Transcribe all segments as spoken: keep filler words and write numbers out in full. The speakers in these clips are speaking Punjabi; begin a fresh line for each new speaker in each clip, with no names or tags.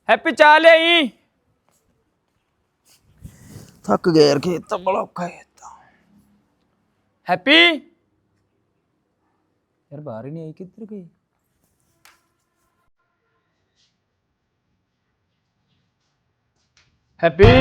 हैप्पी चाह ले आई।
थक गया यार, खेत तो बड़ा औखा है।
हैप्पी यार बाहर ही नहीं आई, किधर गई? हैप्पी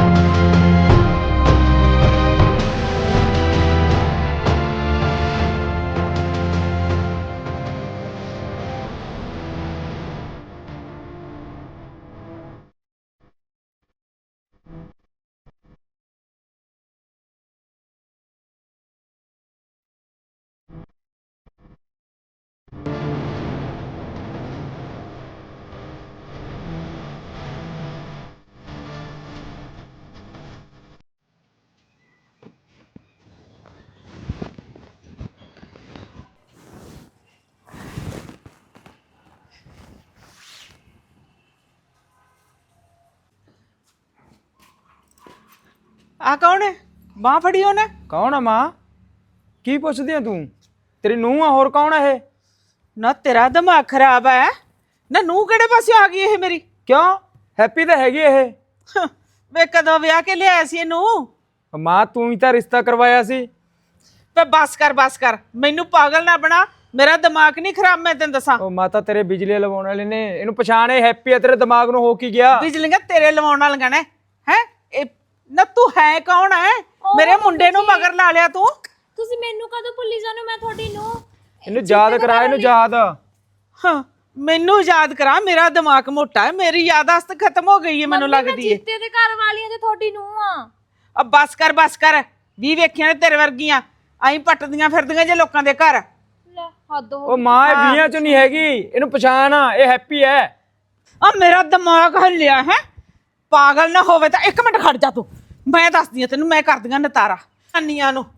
आ कौन है? बांह फड़ी होने
कौन है मां? की पुछदी है तू? तेरी नूंह आ, होर कौन है?
ना तेरा दिमाग खराब है ना। नूह केड़े पासे आ गई है मेरी?
क्यों हैप्पी तो हैगी ये।
वे कदों विआह के लिया सी नूह?
मां तू ही तो रिश्ता करवाया सी।
पे बस कर बस कर, मैनू पागल ना बना। मेरा दिमाग नहीं खराब, मैं तेन दसा।
ओ माता तेरे बिजली लवाने वाले ने इनू पछाणे हैप्पी है, तेरे दिमाग नु हो की गया?
बिजलियां तेरे लवाउण वालियां ने हैं? ए ना तू है कौन है? मेरे मुंडे नू मगर ला लिया तू।
ਤੁਸੀਂ ਮੈਨੂੰ ਕਦੋਂ ਭੁੱਲੀ ਜਾਨੋ? ਮੈਂ ਤੁਹਾਡੀ ਨੂੰ
इनू याद करा, इनू याद।
हाँ मैनू याद करा, मेरा दिमाग मोटा है, मेरी यादाश्त खत्म हो गई है मैनू लगदी है।
ਜੀਤੇ ਦੇ ਘਰ ਵਾਲੀਆਂ ਤੇ ਤੁਹਾਡੀ ਨੂੰ ਆ।
अब बस कर बस कर, भी वेखियां ने तेरे वर्गियां आई पटदियां फिरदियां जे लोकां दे घर।
ਲੈ ਹੱਦ ਹੋ
ओ मां ये बीहां चों नहीं हैगी, इनू पछाण, ये हैप्पी है।
आ मेरा दिमाग हल्लिया है। पागल ना होवे तां एक मिनट खड़ जा तू, मैं दसदी हां तैनू, मैं करदियां नतारा अन्नियां नू।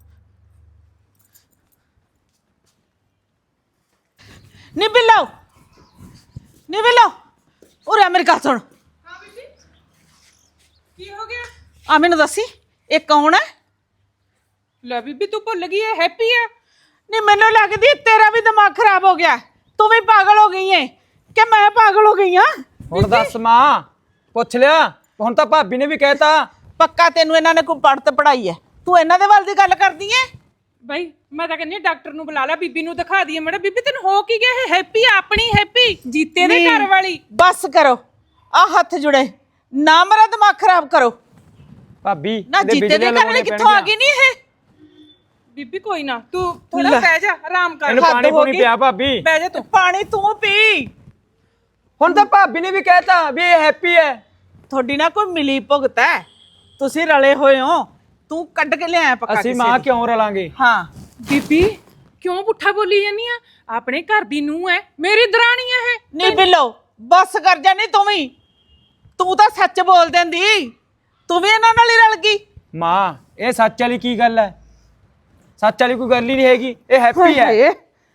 नी बिल्लो नी बिल्लो उरे मेरी गल सुन।
हाँ बीबी की हो गया?
आ मैनू दसी ये कौन है?
ले बीबी तू भुल गई है, हैप्पी है।
नी मैनू लगदी तेरा भी दिमाग खराब हो गया, तू भी पागल हो गई है कि मैं पागल हो गई हां?
हुण दस मां, पुछ लिया हुण तां भाभी ने भी कहता।
पक्का तेनू इन्हां ने कोई पढ़त पढ़ाई है? तू इन्हां दे वाल दी गल करदी है?
भाई मैं तो कहनी डॉक्टर नु बुला ला, बीबी नु दिखा दिए। मैडम बीबी तेन हो की गया है? हैप्पी अपनी हैप्पी जीते दे घर वाली।
बस करो आ हथ जुड़े ना, मेरा दिमाग खराब करो
भाभी
ना। जीते दे घर वाली कित्थों आ गई नी है?
बीबी कोई ना, तू थोड़ा बह जा, आराम कर।
इनू पानी पूनी पिया भाभी।
बह जा तू, पानी तू पी।
हुण तां भाभी ने भी कहता भी ये हैप्पी है।
थोड़ी ना कोई मिली भुगत है, तुसी रले होए हो। तू कट के ले आया पक्का
ਅਸੀਂ
किसी
ਮਾਂ
दी।
ਕਿਉਂ ਰਲਾਂਗੇ?
हाँ
बीबी क्यों पुट्ठा बोली जानी है? अपने घर दी नूह है, मेरी दरानियां है।
नी बिल्लो बस कर जा, नी तू भी तू तो सच बोल देंदी, तू भी इन्हां नाल ही रल गई।
ਮਾਂ ਇਹ ਸੱਚ ਵਾਲੀ ਕੀ ਗੱਲ ਹੈ? ਸੱਚ ਵਾਲੀ ਕੋਈ ਗੱਲ ਹੀ ਨਹੀਂ ਹੈਗੀ, ਇਹ ਹੈਪੀ ਹੈ।
हाय।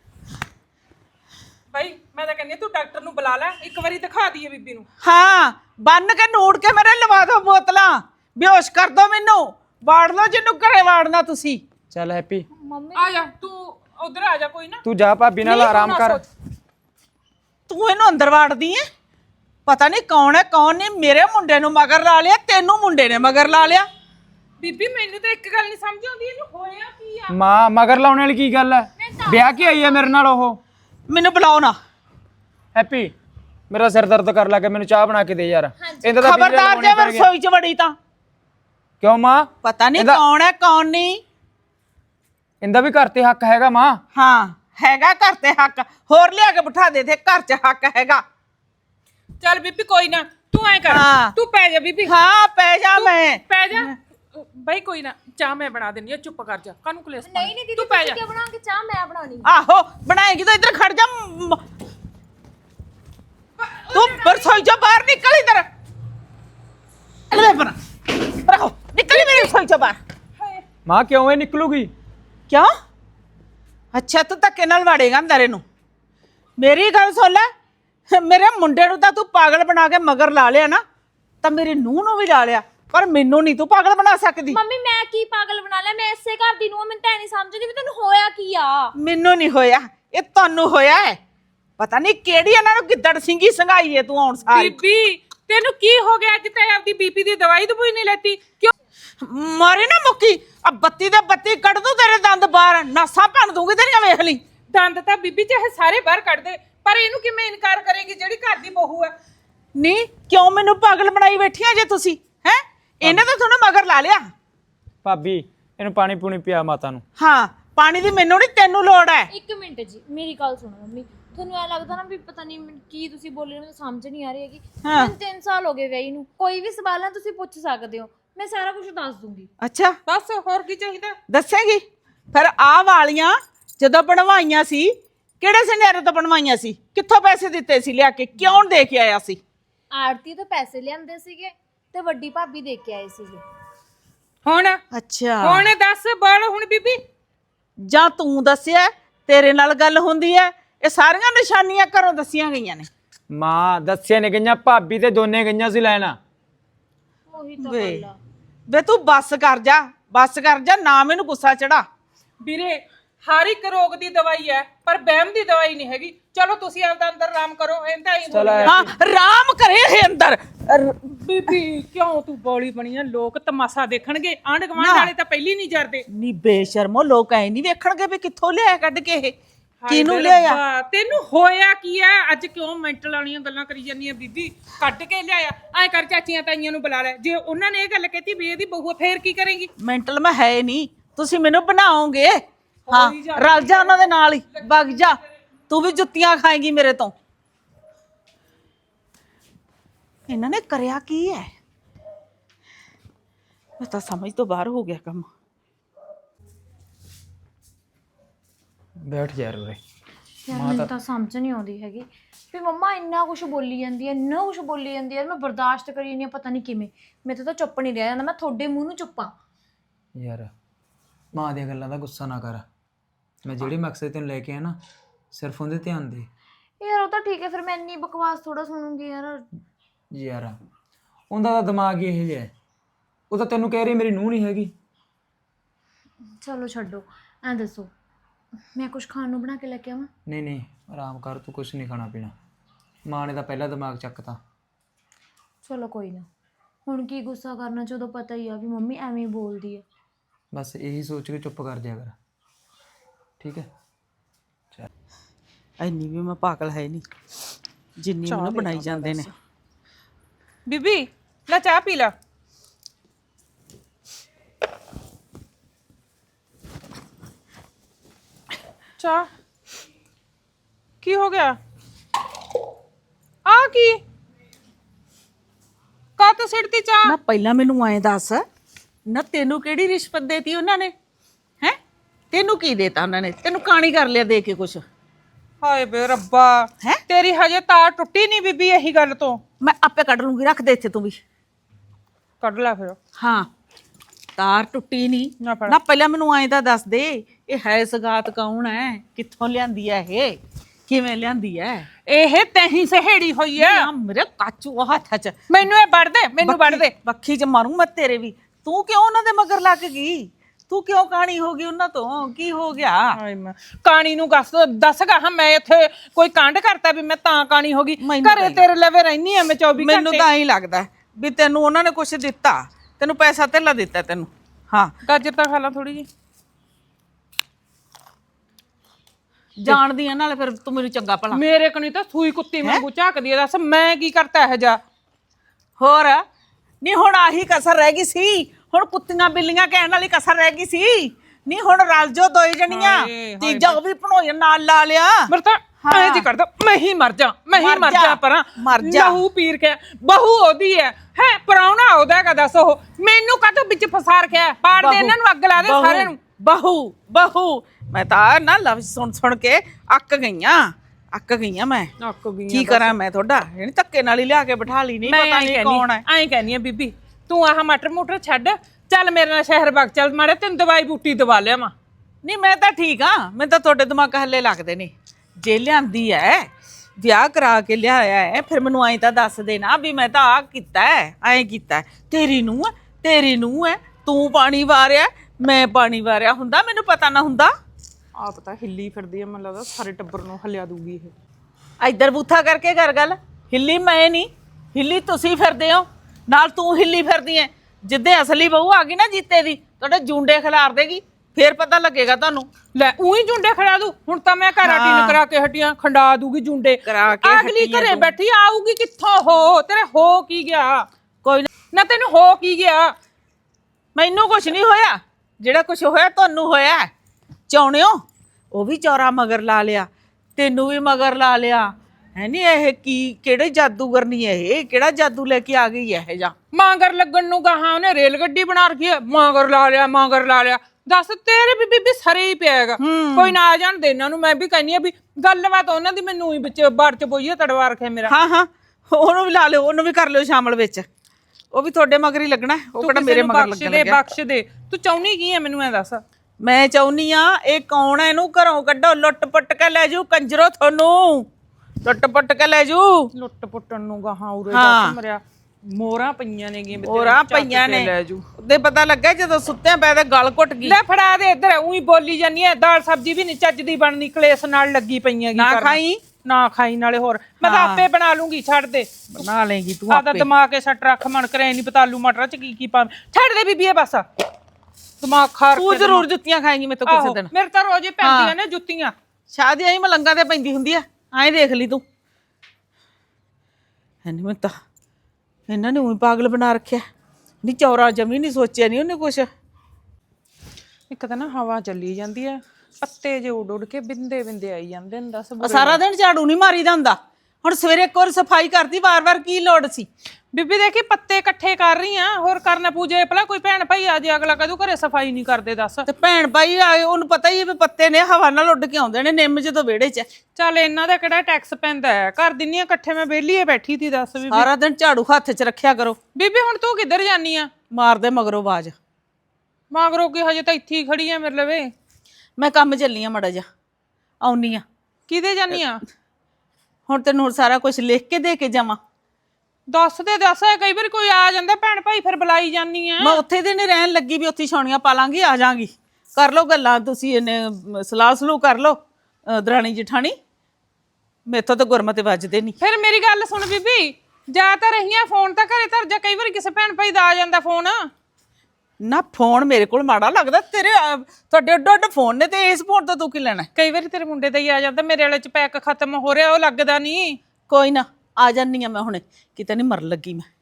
भाई मैं तो कहनी तू डॉक्टर नु बुला ला, एक बारी दिखा दिए बीबी नु।
हाँ बन के नूड़ के मेरे लवा दो बोतलां, बेहोश कर दो मैनू, वाड़ लो जिन्नू घरे वाड़ना तुसी।
ਚੱਲ ਹੈਪੀ
ਮੰਮੀ
आ जा तू उधर आ जा, कोई ना।
ਤੂੰ ਜਾ ਭਾਬੀ ਨਾਲ
नहीं,
ਆਰਾਮ
ना
ਕਰ।
सोच।
ਤੂੰ ਇਹਨੂੰ ਅੰਦਰ ਵਾੜਦੀ ਐ? ਪਤਾ ਨਹੀਂ ਕੌਣ ਹੈ ਕੌਣ ਨਹੀਂ। ਮੇਰੇ ਮੁੰਡੇ ਨੂੰ ਮਗਰ ਲਾ ਲਿਆ, ਤੈਨੂੰ ਮੁੰਡੇ ਨੇ ਮਗਰ ਲਾ ਲਿਆ।
बीबी मैनू तो एक गल नहीं समझ आउंदी, इहनू होया की आ?
ਮਾਂ ਮਗਰ ਲਾਉਣ ਵਾਲੀ ਕੀ ਗੱਲ ਹੈ? ਵਿਆਹ ਕੇ ਆਈ ਹੈ ਮੇਰੇ ਨਾਲ ਉਹ।
ਮੈਨੂੰ ਬੁਲਾਓ ਨਾ।
ਹੈਪੀ ਮੇਰਾ ਸਿਰ ਦਰਦ ਕਰ ਲੱਗਾ, ਮੈਨੂੰ ਚਾਹ ਬਣਾ ਕੇ ਦੇ ਯਾਰ। ਇਹਦਾ ਤਾਂ
ਖਬਰਦਾਰ ਜੇ ਮੈਂ ਰਸੋਈ 'ਚ ਵੜੀ ਤਾਂ।
ਕਿਉਂ ਮਾਂ?
ਪਤਾ ਨਹੀਂ ਕੌਣ ਹੈ ਕੌਣ ਨਹੀਂ।
ਇਹਦਾ ਵੀ ਘਰ ਤੇ ਹੱਕ ਹੈਗਾ ਮਾਂ।
ਹਾਂ ਹੈਗਾ ਘਰ ਤੇ ਹੱਕ, ਹੋਰ ਲਿਆ ਕੇ ਬਿਠਾ ਦੇ ਤੇ ਘਰ 'ਚ ਹੱਕ ਹੈਗਾ।
चल बीबी कोई ना, तू ऐ कर,
हाँ।
तू पै जा बीबी।
ਹਾਂ ਪੈ ਜਾ मैं।
पै जा भाई, कोई ना, चाह मैं बना देनी है, चुप कर जा, कानू कलेस
ਨਹੀਂ ਨਹੀਂ ਦੀਦੀ
तू पै जा।
ਤੁਸੀਂ ਬਣਾ ਕੇ ਚਾਹ ਮੈਂ ਬਣਾਉਣੀ।
ਆਹੋ ਬਣਾਏਗੀ ਤਾਂ ਇੱਧਰ ਖੜ ਜਾ। ਮ- ਤੂੰ ਰਸੋਈ 'ਚੋਂ ਬਾਹਰ ਨਿਕਲ ਇੱਧਰ। ਲੈ ਪਰ ਰੱਖੋ, ਨਿਕਲੀ ਮੇਰੀ ਰਸੋਈ 'ਚੋਂ ਬਾਹਰ।
ਮਾਂ ਕਿਉਂ ਇਹ ਨਿਕਲੂਗੀ?
ਕਿਉਂ? ਅੱਛਾ ਤੂੰ ਧੱਕੇ ਨਾਲ ਵਾੜੇਗਾ ਅੰਦਰ ਇਹਨੂੰ। ਮੇਰੀ ਗੱਲ ਸੁਣ ਲੈ, ਮੇਰੇ ਮੁੰਡੇ ਨੂੰ ਤਾਂ ਤੂੰ ਪਾਗਲ ਬਣਾ ਕੇ ਮਗਰ ਲਾ ਲਿਆ ਨਾ, ਤਾਂ ਮੇਰੀ ਨੂੰਹ ਨੂੰ ਵੀ ਲਾ ਲਿਆ, ਪਰ ਮੈਨੂੰ ਨਹੀਂ ਤੂੰ ਪਾਗਲ ਬਣਾ ਸਕਦੀ।
ਮੰਮੀ ਮੈਂ ਕੀ ਪਾਗਲ ਬਣਾ ਲਿਆ? ਮੈਂ ਇਸੇ ਘਰ ਦੀ ਨੂੰ ਆ, ਮੈਨੂੰ ਤਾਂ ਨਹੀਂ ਸਮਝਦੀ ਵੀ ਤੈਨੂੰ ਹੋਇਆ ਕੀ ਆ।
ਮੈਨੂੰ ਨਹੀਂ ਹੋਇਆ, ਇਹ ਤੁਹਾਨੂੰ ਹੋਇਆ ਹੈ। ਪਤਾ ਨਹੀਂ ਕਿਹੜੀ ਇਹਨਾਂ ਨੂੰ ਗਿੱਦੜ ਸਿੰਘੀ ਸੰਘਾਈ ਏ ਤੂੰ ਆਉਣ ਸਾਰ।
बीबी ਤੈਨੂੰ ਕੀ ਹੋ ਗਿਆ ਅੱਜ ਤੈਂ ਆਪਦੀ ਬੀਪੀ ਦੀ ਦਵਾਈ ਦਵਾਈ ਨਹੀਂ ਲੈਤੀ ਕਿਉਂ?
ਮਾਰੇ ਨਾ ਮੁੱਕੀ ਆ ਬੱਤੀ ਦੇ ਬੱਤੀ ਕੱਢ ਦੂੰ ਤੇਰੇ ਦੰਦ ਬਾਹਰ ਨਾਸਾਂ ਭੰਨ ਦੂੰਗੀ ਤੇਰੀਆਂ ਵੇਖ ਲਈ।
ਦੰਦ ਤਾਂ ਬੀਬੀ ਚਾਹੇ ਸਾਰੇ ਬਾਹਰ ਕੱਢ ਦੇ ਪਰ ਇਹਨੂੰ ਕਿਵੇਂ ਇਨਕਾਰ ਕਰੇਗੀ ਜਿਹੜੀ ਘਰ ਦੀ ਬਹੂ ਹੈ?
ਨਹੀਂ ਕਿਉਂ ਮੈਨੂੰ ਪਾਗਲ ਬਣਾਈ ਬੈਠੀਆਂ ਜੇ ਤੁਸੀਂ ਹੈ? ਇਹਨੇ ਤਾਂ ਤੁਹਾਨੂੰ ਮਗਰ ਲਾ ਲਿਆ।
ਭਾਬੀ ਇਹਨੂੰ ਪਾਣੀ ਪੂਣੀ ਪਿਆ ਮਾਤਾ ਨੂੰ।
ਹਾਂ ਪਾਣੀ ਦੀ ਮੈਨੂੰ ਨਹੀਂ ਤੈਨੂੰ ਲੋੜ ਹੈ।
ਇੱਕ ਮਿੰਟ ਜੀ ਮੇਰੀ ਗੱਲ ਸੁਣੋ ਮੰਮੀ, ਤੁਹਾਨੂੰ ਐ ਲੱਗਦਾ ਨਾ ਵੀ ਪਤਾ ਨਹੀਂ ਮੈਨੂੰ ਕੀ ਤੁਸੀਂ ਬੋਲੇ ਮੈਨੂੰ ਸਮਝ ਨਹੀਂ ਆ ਰਹੀ ਹੈਗੀ। ਮੈਨੂੰ ਤਿੰਨ ਸਾਲ ਹੋ ਗਏ ਵਿਆਹੀ ਨੂੰ, ਕੋਈ ਵੀ ਸਵਾਲ ਨਾ ਤੁਸੀਂ ਪੁੱਛ ਸਕਦੇ ਹੋ, ਮੈਂ ਸਾਰਾ ਕੁਝ ਦੱਸ ਦੂੰਗੀ।
ਅੱਛਾ
ਬਸ ਹੋਰ ਕੀ ਚਾਹੀਦਾ?
ਦੱਸੇਗੀ ਫਿਰ ਆਹ ਵਾਲੀਆਂ ਜਦੋਂ ਬਣਵਾਈਆਂ ਸੀ ਕਿਹੜੇ ਸਿਨੈਰੇ ਤੋਂ ਬਣਵਾਈਆਂ ਸੀ? ਕਿੱਥੋਂ ਪੈਸੇ ਦਿੱਤੇ ਸੀ ਲਿਆ ਕੇ? ਕਿਉਂ ਦੇ ਕੇ ਆਇਆ ਸੀ?
ਆਰਤੀ ਤੋਂ ਪੈਸੇ ਲਿਆਂਦੇ ਸੀਗੇ ਤੇ ਵੱਡੀ ਭਾਬੀ ਦੇ ਕੇ ਆਏ ਸੀਗੇ।
ਹੁਣ
ਅੱਛਾ
ਹੁਣ ਦੱਸ ਬੋਲ ਹੁਣ ਬੀਬੀ।
ਜਾਂ ਤੂੰ ਦੱਸਿਆ ਤੇਰੇ ਨਾਲ ਗੱਲ ਹੁੰਦੀ ਹੈ? ਇਹ ਸਾਰੀਆਂ ਨਿਸ਼ਾਨੀਆਂ ਘਰੋਂ ਦੱਸੀਆਂ ਗਈਆਂ ਨੇ।
ਮਾਂ ਦੱਸਿਆ ਨੇ ਗਈਆਂ, ਭਾਬੀ ਤੇ ਦੋਨੇ ਗਈਆਂ ਸੀ ਲੈਣਾ।
ਉਹੀ ਤਾਂ
ਵੇ
ਗੱਲ ਆ।
ਵੇ ਤੂੰ ਬੱਸ ਕਰ ਜਾ, ਬੱਸ ਕਰ ਜਾ, ਨਾ ਮੈਨੂੰ ਗੁੱਸਾ ਚੜਾ।
ਵੀਰੇ ਹਰ ਇੱਕ ਰੋਗ ਦੀ ਦਵਾਈ ਹੈ ਪਰ ਵਹਿਮ ਦੀ ਦਵਾਈ ਨਹੀਂ ਹੈਗੀ। ਚਲੋ ਤੁਸੀਂ ਆਪਦਾ ਅੰਦਰ ਆਰਾਮ ਕਰੋ। ਇਹਦਾ ਹੀ
ਚਲੋ
ਹਾਂ ਰਾਮ ਕਰੇ ਇਹ ਅੰਦਰ।
ਬੀਬੀ ਕਿਉਂ ਤੂੰ ਬੋਲੀ ਬਣੀ ਆ? ਲੋਕ ਤਮਾਸ਼ਾ ਦੇਖਣਗੇ, ਆਂਢ ਗੁਆਂਢ ਵਾਲੇ ਤਾਂ ਪਹਿਲੀ ਨਹੀਂ ਜਰਦੇ।
ਨੀ ਬੇਸ਼ਰਮੋ, ਲੋਕ ਐ ਨਹੀਂ ਵੇਖਣਗੇ ਵੀ ਕਿੱਥੋਂ ਲਿਆਇਆ ਕੱਢ ਕੇ ਇਹ, ਕਿਹਨੂੰ
ਹਾਏ
ਲਿਆਇਆ?
ਰੱਬਾ, ਤੈਨੂੰ ਹੋਇਆ ਕੀ ਐ ਅੱਜ? ਕਿਉਂ ਮੈਂਟਲ ਵਾਲੀਆਂ ਗੱਲਾਂ ਕਰੀ ਜਾਂਦੀਆਂ ਬੀਬੀ? ਕੱਢ ਕੇ ਲਿਆਇਆ। ਐ ਕਰ ਚਾਚੀਆਂ ਤਾਈਆਂ ਨੂੰ ਬੁਲਾ ਲੈ, ਜੇ ਉਹਨਾਂ ਨੇ ਇਹ ਗੱਲ ਕਹਿਤੀ ਵੀ ਇਹਦੀ ਬਹੂ ਆ, ਫੇਰ ਕੀ ਕਰੇਗੀ?
ਮੈਂਟਲ ਮੈਂ ਹੈ ਨਹੀਂ, ਤੁਸੀਂ ਮੈਨੂੰ ਬਣਾਓਗੇ। ਹਾਂ ਰਲ ਜਾ ਉਹਨਾਂ ਦੇ ਨਾਲ ਹੀ, ਵਗ ਜਾ, ਤੂੰ ਵੀ ਜੁੱਤੀਆਂ ਖਾਏਂਗੀ ਮੇਰੇ ਤੋਂ। ਇਹਨਾਂ ਨੇ ਕਰਿਆ ਕੀ ਹੈ? ਮੈਂ ਤਾਂ ਸਮਝ ਤੋਂ ਬਾਹਰ ਹੋ ਗਿਆ ਕੰਮ।
ਬੈਠ ਜਾ ਉਰੇ।
ਯਾਰ ਮੈਨੂੰ ਤਾਂ ਸਮਝ ਨਹੀਂ ਆਉਂਦੀ ਹੈਗੀ ਵੀ ਮੰਮਾ ਇੰਨਾ ਕੁਝ ਬੋਲੀ ਜਾਂਦੀ ਹੈ, ਇੰਨਾ ਕੁਝ ਬੋਲੀ ਜਾਂਦੀ ਹੈ, ਮੈਂ ਬਰਦਾਸ਼ਤ ਕਰੀ ਜਾਂਦੀ ਹਾਂ ਪਤਾ ਨਹੀਂ ਕਿਵੇਂ। ਮੇਰੇ ਤਾਂ ਚੁੱਪ ਨਹੀਂ ਰਿਹਾ ਜਾਂਦਾ, ਮੈਂ ਤੁਹਾਡੇ ਮੂੰਹ ਨੂੰ ਚੁੱਪਾਂ।
ਯਾਰ ਮਾਂ ਦੀਆਂ ਗੱਲਾਂ ਦਾ ਗੁੱਸਾ ਨਾ ਕਰ। ਮੈਂ ਜਿਹੜੇ ਮਕਸਦ ਤੈਨੂੰ ਲੈ ਕੇ ਆਇਆ ਨਾ ਸਿਰਫ ਉਹਦੇ ਧਿਆਨ ਦੇ।
ਯਾਰ ਉਹ ਤਾਂ ਠੀਕ ਹੈ, ਫਿਰ ਮੈਂ ਇੰਨੀ ਬਕਵਾਸ ਥੋੜਾ ਸੁਣੂੰਗੀ ਯਾਰ।
ਯਾਰ ਉਹਦਾ ਤਾਂ ਦਿਮਾਗ ਹੀ ਇਹੋ ਜਿਹਾ ਹੈ। ਉਹ ਤਾਂ ਤੈਨੂੰ ਕਹਿ ਰਹੀ ਮੇਰੀ ਨੂੰਹ ਨਹੀਂ ਹੈਗੀ।
ਚਲੋ ਛੱਡੋ, ਐਂ ਦੱਸੋ ਮੈਂ ਕੁਝ ਖਾਣ ਨੂੰ ਬਣਾ ਕੇ ਲੈ ਕੇ ਆਵਾਂ?
ਨਹੀਂ ਨਹੀਂ ਆਰਾਮ ਕਰ, ਤੂੰ ਕੁਛ ਨਹੀਂ ਖਾਣਾ ਪੀਣਾ। ਮਾਂ ਨੇ ਤਾਂ ਪਹਿਲਾਂ ਦਿਮਾਗ ਚੱਕਤਾ।
ਚਲੋ ਕੋਈ ਨਾ, ਹੁਣ ਕੀ ਗੁੱਸਾ ਕਰਨਾ ਜਦੋਂ ਪਤਾ ਹੀ ਆ ਵੀ ਮੰਮੀ ਐਵੇਂ ਹੀ ਬੋਲਦੀ ਹੈ।
ਬਸ ਇਹੀ ਸੋਚ ਕੇ ਚੁੱਪ ਕਰ ਜਾ ਕਰ, ਠੀਕ ਹੈ?
ਇੰਨੀ ਵੀ ਮੈਂ ਪਾਗਲ ਹੈ ਨਹੀਂ ਜਿੰਨੀ ਮੈਨੂੰ ਬਣਾਈ ਜਾਂਦੇ ਨੇ।
ਬੀਬੀ ਲੈ ਚਾਹ ਪੀ ਲੈ। ਚਾਹ ਕੀ ਹੋ ਗਿਆ? ਆ ਕੀ ਕਾ ਤੂੰ ਸਿੜਤੀ ਚਾਹ?
ਨਾ ਪਹਿਲਾਂ ਮੈਨੂੰ ਐਂ ਦੱਸ ਨਾ, ਤੈਨੂੰ ਕਿਹੜੀ ਰਿਸ਼ਵਤ ਦੇਤੀ ਉਹਨਾਂ ਨੇ? ਹੈ ਤੈਨੂੰ ਕੀ ਦੇਤਾ ਉਹਨਾਂ ਨੇ? ਤੈਨੂੰ ਕਾਣੀ ਕਰ ਲਿਆ ਦੇ ਕੇ ਕੁਛ?
ਹਾਏ ਬੇ ਰੱਬਾ,
ਹੈਂ?
ਤੇਰੀ ਹਜੇ ਤਾਰ ਟੁੱਟੀ ਨਹੀਂ ਬੀਬੀ ਇਹੀ ਗੱਲ ਤੋਂ।
ਮੈਂ ਆਪੇ ਕੱਢ ਲੂੰਗੀ, ਰੱਖ ਦੇ ਇੱਥੇ ਤੂੰ ਵੀ।
ਕੱਢ ਲੈ ਫਿਰ।
ਹਾਂ ਤਾਰ ਟੁੱਟੀ ਨਹੀਂ
ਨਾ ਫੜ।
ਨਾ, ਪਹਿਲਾਂ ਮੈਨੂੰ ਐਂ ਤਾਂ ਦੱਸ ਦੇ ਇਹ ਹੈ ਸਗਾਤ ਕੌਣ ਹੈ? ਕਿੱਥੋਂ ਲਿਆਂਦੀ ਹੈ ਇਹ? ਕਿਵੇਂ ਲਿਆਂਦੀ ਹੈ
ਇਹ ਤੈਹੀ ਸਹੇੜੀ ਹੋਈ ਐ।
ਆ ਮੇਰੇ ਕਾਚੂ ਹੱਥ 'ਚ।
ਮੈਨੂੰ ਇਹ ਵੜ ਦੇ, ਮੈਨੂੰ ਵੜ ਦੇ।
ਬੱਖੀ 'ਚ ਮਾਰੂ ਮੈਂ ਤੇਰੇ ਵੀ। ਤੂੰ ਕਿਉਂ ਉਹਨਾਂ ਦੇ ਮਗਰ ਲੱਗ ਗਈ? ਤੂੰ ਕਿਉਂ ਕਹਾਣੀ ਹੋ ਗਈ ਉਹਨਾਂ ਤੋਂ? ਕੀ ਹੋ ਗਿਆ?
ਹਾਏ ਮੈਂ ਕਾਣੀ ਨੂੰ ਦੱਸ ਦੱਸਗਾ ਹਾਂ ਮੈਂ ਇੱਥੇ ਕੋਈ ਕਾਂਡ ਕਰਤਾ ਵੀ ਮੈਂ ਤਾਂ ਕਾਣੀ ਹੋ ਗਈ?
ਮੈਨੂੰ
ਘਰੇ ਤੇਰੇ ਲਵੇ ਰਹਿਨੀ ਆ ਮੈਂ ਚੌਵੀ ਘੰਟੇ।
ਮੈਨੂੰ ਤਾਂ ਐਂ ਲੱਗਦਾ ਵੀ ਤੈਨੂੰ ਉਹਨਾਂ ਨੇ ਕੁਛ ਦਿੱਤਾ, ਤੈਨੂੰ ਪੈਸਾ ਧੇਲਾ ਦਿੱਤਾ ਤੈਨੂੰ। ਹਾਂ
ਗਾਜਰ ਤਾਂ ਖਾ ਲਾ ਥੋੜੀ ਜੀ।
ਜਾਣਦੀ ਆ ਨਾਲੇ ਫਿਰ ਤੂੰ ਮੈਨੂੰ ਚੰਗਾ ਭਲਾ।
ਮੇਰੇ ਕਨੀ ਤਾਂ ਸੂਈ ਕੁੱਤੀ ਵਾਂਗੂ ਝਾਕਦੀ ਐ। ਦੱਸ ਮੈਂ ਕੀ ਕਰਤਾ ਇਹ ਜਾ?
ਹੋਰ ਨਹੀਂ ਹੁਣ ਆਹੀ ਕਸਰ ਰਹਿ ਗਈ ਸੀ। ਹੁਣ ਕੁੱਤੀਆਂ ਬਿੱਲੀਆਂ ਕਹਿਣ ਵਾਲੀ ਕਸਰ ਰਹਿ ਗਈ ਸੀ। ਨਹੀਂ ਹੁਣ ਰਲ ਜੋ ਦੋਈ ਜਣੀਆਂ,
ਹਾਏ,
ਤੀਜਾ ਉਹ ਵੀ ਭਣੋਈ ਨਾਲ ਲਾ ਲਿਆ।
ਮਰ ਤਾਂ ਐਂ ਜੀ ਕਰਦਾ ਮੈਂ ਹੀ ਮਰ ਜਾ, ਮੈਂ ਹੀ
ਮਰ
ਮਰ
ਜਾ,
ਜਾ ਪਰਾਂ।
ਮਰ ਜਾ।
ਲਹੂ ਪੀਰ ਕੇ ਬਹੂ ਉਹਦੀ ਐ ਹੈ, ਪਰਾਉਣਾ ਉਹਦਾ ਕਾ ਦੱਸ। ਉਹ ਮੈਨੂੰ ਕਾਹਤੋਂ ਵਿੱਚ ਫਸਾ ਰਖਿਆ? ਪਾੜ ਦੇ ਇਹਨਾਂ ਨੂੰ, ਅੱਗ ਲਾ ਦੇ
ਬਹੂ,
ਸਾਰਿਆਂ ਨੂੰ।
ਬਹੂ ਬਹੂ ਮੈਂ ਤਾਂ ਨਾ ਲਫ਼ਜ਼ ਸੁਣ ਸੁਣ ਕੇ ਅੱਕ ਗਈਆਂ ਅੱਕ ਗਈਆਂ ਮੈਂ।
ਅੱਕ ਗਈਆਂ
ਕੀ ਕਰਾਂ ਮੈਂ ਤੁਹਾਡਾ? ਇਹ ਧੱਕੇ ਨਾਲ ਹੀ ਲਿਆ ਕੇ ਬਿਠਾ ਲਈ। ਨਹੀਂ ਪਤਾ ਨਹੀਂ ਕੌਣ ਹੈ।
ਐਂ ਕਹਿੰਦੀ ਆ ਬੀਬੀ ਤੂੰ ਆਹ ਮਟਰ ਮੋਟਰ ਛੱਡ, ਚੱਲ ਮੇਰੇ ਨਾਲ ਸ਼ਹਿਰ ਵਗ ਚੱਲ, ਮਾੜੇ ਤੈਨੂੰ ਦਵਾਈ ਬੂਟੀ ਦਵਾ ਲਿਆਵਾਂ।
ਨਹੀਂ ਮੈਂ ਤਾਂ ਠੀਕ ਆ, ਮੈਨੂੰ ਤਾਂ ਤੁਹਾਡੇ ਦਿਮਾਗ ਹੱਲੇ ਲੱਗਦੇ ਨੇ। ਜੇ ਲਿਆਂਦੀ ਐ ਵਿਆਹ ਕਰਾ ਕੇ ਲਿਆਇਆ ਹੈ ਫਿਰ ਮੈਨੂੰ ਐਂ ਤਾਂ ਦੱਸ ਦੇਣਾ ਵੀ ਮੈਂ ਤਾਂ ਆ ਕੀਤਾ ਹੈ, ਐਂ ਕੀਤਾ ਹੈ। ਤੇਰੀ ਨੂੰਹ ਹੈ, ਤੇਰੀ ਨੂੰਹ ਹੈ, ਤੂੰ ਪਾਣੀ ਵਾਰਿਆ, ਮੈਂ ਪਾਣੀ ਵਾਰਿਆ ਹੁੰਦਾ, ਮੈਨੂੰ ਪਤਾ ਨਾ ਹੁੰਦਾ?
ਆਪ ਤਾਂ ਹਿੱਲੀ ਫਿਰਦੀ ਆ, ਮੈਨੂੰ ਲੱਗਦਾ ਸਾਰੇ ਟੱਬਰ ਨੂੰ ਹੱਲਿਆ ਦੂਗੀ ਇਹ।
ਇੱਧਰ ਬੂਥਾ ਕਰਕੇ ਕਰ ਗੱਲ। ਹਿੱਲੀ ਮੈਂ ਨਹੀਂ, ਹਿੱਲੀ ਤੁਸੀਂ ਫਿਰਦੇ ਹੋ, ਨਾਲ ਤੂੰ ਹਿੱਲੀ ਫਿਰਦੀ ਐ। ਜਿੱਦੇ ਅਸਲੀ ਬਹੂ ਆ ਗਈ ਨਾ ਜੀਤੇ ਦੀ, ਤੁਹਾਡੇ ਜੁੰਡੇ ਖਿਲਾਰ ਦੇਗੀ, ਫੇਰ ਪਤਾ ਲੱਗੇਗਾ ਤੁਹਾਨੂੰ।
ਲੈ ਉਹੀ ਜੁੰਡੇ ਖੜਾ ਦੂ। ਹੁਣ ਤਾਂ ਮੈਂ ਘਰ ਆਟੀ ਨੂੰ ਕਰਾ ਕੇ ਹਟੀਆਂ, ਖੰਡਾ ਦੂਗੀ ਜੁੰਡੇ
ਕਰਾ ਕੇ
ਅਗਲੀ
ਹਟੀ ਆਂ
ਘਰੇ
ਤੂੰ।
ਬੈਠੀ ਆਊਗੀ ਕਿੱਥੋਂ? ਹੋ ਤੇਰੇ ਹੋ ਕੀ ਗਿਆ?
ਕੋਈ ਨਾ,
ਨਾ ਤੈਨੂੰ ਹੋ ਕੀ ਗਿਆ?
ਮੈਨੂੰ ਕੁਛ ਨਹੀਂ ਹੋਇਆ, ਜਿਹੜਾ ਕੁਛ ਹੋਇਆ ਤੁਹਾਨੂੰ ਹੋਇਆ। ਚਾਉਣਿਓ ਉਹ ਵੀ ਚੌਰਾ ਮਗਰ ਲਾ ਲਿਆ, ਤੈਨੂੰ ਵੀ ਮਗਰ ਲਾ ਲਿਆ। ਹੈ ਨੀ ਇਹ ਕੀ ਕਿਹੜੇ ਜਾਦੂਗਰ ਨਹੀਂ ਇਹ, ਕਿਹੜਾ ਜਾਦੂ ਲੈ ਕੇ ਆ ਗਈ ਇਹ ਜਾਂ
ਮਾਂਗਰ ਲੱਗਣ ਨੂੰ ਗਾਹਾਂ ਉਹਨੇ ਰੇਲ ਗੱਡੀ ਬਣਾ ਰੱਖੀ ਹੈ। ਮਾਂਗਰ ਲਾ ਲਿਆ, ਮਾਂਗਰ ਲਾ ਲਿਆ। ਦੱਸ ਤੇਰੇ ਵੀ ਬੀਬੀ ਸਰੇ ਹੀ ਪਿਆ ਹੈਗਾ। ਕੋਈ ਨਾ ਆ ਜਾਣ ਦੇ ਇਹਨਾਂ ਨੂੰ। ਮੈਂ ਵੀ ਕਹਿੰਦੀ ਆ ਵੀ ਗੱਲਬਾਤ ਉਹਨਾਂ ਦੀ ਮੈਨੂੰ ਹੀ ਵਿੱਚ ਬਾੜ ਚ ਪੋਈਏ ਤੜਵਾ ਰੱਖਿਆ ਮੇਰਾ।
ਹਾਂ ਹਾਂ ਉਹਨੂੰ ਵੀ ਲਾ ਲਿਓ, ਉਹਨੂੰ ਵੀ ਕਰ ਲਿਓ ਸ਼ਾਮਲ ਵਿੱਚ। ਉਹ ਵੀ ਤੁਹਾਡੇ ਮਗਰ ਹੀ ਲੱਗਣਾ, ਉਹ
ਤੂੰ
ਕਿਹੜਾ
ਕਿਸੇ
ਮੇਰੇ
ਨੂੰ
ਮਗਰ
ਬਖਸ਼
ਲੱਗਣ
ਦੇ,
ਲੱਗਿਆ।
ਬਖਸ਼ ਦੇ। ਤੂੰ ਚਾਹੁੰਦੀ ਕੀ ਹੈ ਮੈਨੂੰ ਐ ਦੱਸ?
ਮੈਂ ਚਾਹੁੰਨੀ ਆ ਇਹ ਕੌਣ ਹੈ, ਇਹਨੂੰ ਘਰੋਂ ਕੱਢੋ, ਲੁੱਟ ਪੁੱਟ ਕੇ ਲੈ ਜੂ ਕੰਜਰੋ, ਤੁਹਾਨੂੰ ਲੁੱਟ ਪੁੱਟ ਕੇ ਲੈ ਜੂ।
ਲੁੱਟ ਪੁੱਟਣ ਨੂੰ ਗਾਹਾਂ ਉਰੇ
ਹਾਂ।
ਦੱਸ ਮਰਿਆ। ਮੋਹਰਾਂ ਪਈਆਂ ਨੇਗੀਆਂ ਵੀ
ਹੋਰਾਂ ਪਈਆਂ ਨੇ, ਉਹਦੇ ਪਤਾ ਲੱਗਾ ਜਦੋਂ ਸੁੱਤਿਆਂ ਪੈ ਤੇ ਗਲ ਘੁੱਟ ਗਈ।
ਲੈ ਫੜਾ ਦੇ ਇੱਧਰ। ਉਹੀ ਬੋਲੀ ਜਾਨੀ ਐ, ਦਾਲ ਸਬਜ਼ੀ ਵੀ ਨਹੀਂ ਚੱਜ ਦੀ ਬਣਨੀ, ਕਲੇਸ਼ ਨਾਲ ਲੱਗੀ ਪਈਆਂ ਕੀ
ਨਾ
ਕਰਨ।
ਖਾਈ
ਨਾ ਖਾਈ ਨਾਲੇ ਹੋਰ ਮੈਂ ਤਾਂ ਆਪੇ ਬਣਾ ਲੂੰਗੀ, ਛੱਡ ਦੇ।
ਬਣਾ ਲੇਗੀ ਤੂੰ
ਆਦਾ
ਆਪੇ।
ਦਿਮਾਗ ਕੇ ਸੱਟ ਰੱਖ, ਮਣ ਕਰੇ ਨਹੀਂ ਪਤਾ ਆਲੂ ਮਟਰਾਂ ਚ ਕੀ ਕੀ ਪਾ। ਛੱਡ ਦੇ ਬੀਬੀ ਇਹ ਬਸ ਦਿਮਾਗ ਖਾਰ
ਤੂੰ ਜ਼ਰੂਰ ਜੁੱਤੀਆਂ ਖਾਏਂਗੀ ਮੇਰੇ ਤੋਂ ਕਿਸੇ ਦਿਨ।
ਮੇਰੇ ਤਾਂ ਰੋਜ਼ ਹੀ ਪੈਂਦੀਆਂ ਨੇ ਜੁੱਤੀਆਂ।
ਸ਼ਾਦੀ ਆਈ ਮਲੰਗਾ ਤੇ ਪੈਂਦੀ ਹੁੰਦੀ ਆ, ਐਂ ਦੇਖ ਲਈ ਤੂੰ। ਐਨੀ ਮੈਂ ਤਾਂ ਇਹਨਾਂ ਨੇ ਉਹੀ ਪਾਗਲ ਬਣਾ ਰੱਖਿਆ। ਨਹੀਂ ਚੌਰਾ ਜਮੀ ਨਹੀਂ ਸੋਚਿਆ ਨਹੀਂ ਉਹਨੇ ਕੁਛ।
ਇੱਕ ਤਾਂ ਨਾ ਹਵਾ ਚੱਲੀ ਜਾਂਦੀ ਐ, ਪੱਤੇ ਜੇ ਉੱਡ ਉੱਡ ਕੇ ਬਿੰਦੇ ਬਿੰਦੇ ਆਈ ਜਾਂਦੇ ਨੇ। ਦੱਸ
ਆ ਸਾਰਾ ਦਿਨ ਝਾੜੂ ਨਹੀਂ ਮਾਰੀਦਾ ਹੁੰਦਾ। ਹੁਣ ਸਵੇਰੇ ਇੱਕ ਵਾਰ ਸਫਾਈ ਕਰਦੀ, ਵਾਰ-ਵਾਰ ਕੀ ਲੋੜ ਸੀ?
ਬੀਬੀ ਦੇਖੀ ਪੱਤੇ ਇਕੱਠੇ ਕਰ ਰਹੀ ਆ, ਹੋਰ ਕਰਨਾ ਪੂਜੇ ਭਲਾ ਕੋਈ ਭੈਣ ਭਾਈ ਆ ਜੇ ਅਗਲਾ ਕਦੋਂ ਘਰੇ ਸਫਾਈ ਨਹੀਂ ਕਰਦੇ। ਦੱਸ
ਤੇ ਭੈਣ ਭਾਈ ਆਏ, ਉਹਨੂੰ ਪਤਾ ਹੀ ਹੈ ਵੀ ਪੱਤੇ ਨੇ ਹਵਾ ਨਾਲ ਉੱਡ ਕੇ ਆਉਂਦੇ ਨੇ ਨਿੰਮ ਜਦੋਂ ਵਿਹੜੇ 'ਚ।
ਚੱਲ ਇਹਨਾਂ ਦਾ ਕਿਹੜਾ ਟੈਕਸ ਪੈਂਦਾ ਹੈ, ਕਰ ਦਿੰਨੀ ਆ ਇਕੱਠੇ। ਮੈਂ ਵਿਹਲੀ ਏ ਬੈਠੀ ਸੀ। ਦੱਸ ਬੀਬੀ।
ਸਾਰਾ ਦਿਨ ਝਾੜੂ ਹੱਥ 'ਚ ਰੱਖਿਆ ਕਰੋ।
ਬੀਬੀ ਹੁਣ ਤੂੰ ਕਿੱਧਰ ਜਾਨੀ ਆ?
ਮਾਰਦੇ ਮਗਰੋਂ ਆਵਾਜ਼।
ਮਗਰੋਂ ਕੀ, ਹਜੇ ਤਾਂ ਇੱਥੇ ਹੀ ਖੜੀ ਆ ਮੇਰੇ ਲਵੇ।
ਮੈਂ ਕੰਮ ਚੱਲੀ ਆ ਮੜਾ ਜਾ, ਆਉਣੀ ਆ।
ਕਿਹਦੇ ਜਾਨੀ ਆ?
ਹੁਣ ਤੈਨੂੰ ਹੁਣ ਸਾਰਾ ਕੁਝ ਲਿਖ ਕੇ ਦੇ ਕੇ ਜਾਵਾਂ।
ਦੱਸ ਦੇ ਦੱਸ। ਕਈ ਵਾਰ ਕੋਈ ਆ ਜਾਂਦਾ ਭੈਣ ਭਾਈ, ਫਿਰ ਬੁਲਾਈ ਜਾਨੀ ਆ।
ਮੈਂ ਉੱਥੇ ਦੇ ਨਹੀਂ ਰਹਿਣ ਲੱਗੀ ਵੀ ਉੱਥੇ ਛਾਉਣੀਆਂ ਪਾ ਲਾਂਗੀ, ਆ ਜਾਾਂਗੀ। ਕਰ ਲਓ ਗੱਲਾਂ ਤੁਸੀਂ, ਇਹਨੇ ਸਲਾਹ ਸਲੂਹ ਕਰ ਲਓ ਦਰਾਣੀ ਜਠਾਣੀ। ਮੇਥੋਂ ਤਾਂ ਗੁਰਮਤੇ ਵੱਜਦੇ ਨਹੀਂ।
ਫਿਰ ਮੇਰੀ ਗੱਲ ਸੁਣ ਬੀਬੀ, ਜਾ ਤਾਂ ਰਹੀਆਂ, ਫੋਨ ਤਾਂ ਘਰੇ ਧਰ ਜਾ। ਕਈ ਵਾਰ ਕਿਸੇ ਭੈਣ ਭਾਈ ਦਾ ਆ ਜਾਂਦਾ ਫੋਨ।
ਨਾ ਫੋਨ ਮੇਰੇ ਕੋਲ ਮਾੜਾ ਲੱਗਦਾ, ਤੇਰੇ ਅਹ, ਤੁਹਾਡੇ ਅੱਡੋ ਅੱਡ ਫੋਨ ਨੇ, ਤੇ ਇਸ ਫੋਨ ਤੋਂ ਤੂੰ ਕੀ ਲੈਣਾ?
ਕਈ ਵਾਰੀ ਤੇਰੇ ਮੁੰਡੇ ਦਾ ਹੀ ਆ ਜਾਂਦਾ, ਮੇਰੇ ਵਾਲੇ ਚ ਪੈਕ ਖਤਮ ਹੋ ਰਿਹਾ, ਉਹ ਲੱਗਦਾ ਨਹੀਂ।
ਕੋਈ ਨਾ, ਆ ਜਾਨੀ ਆ ਮੈਂ ਹੁਣੇ, ਕਿਤੇ ਨਹੀਂ ਮਰਨ ਲੱਗੀ ਮੈਂ।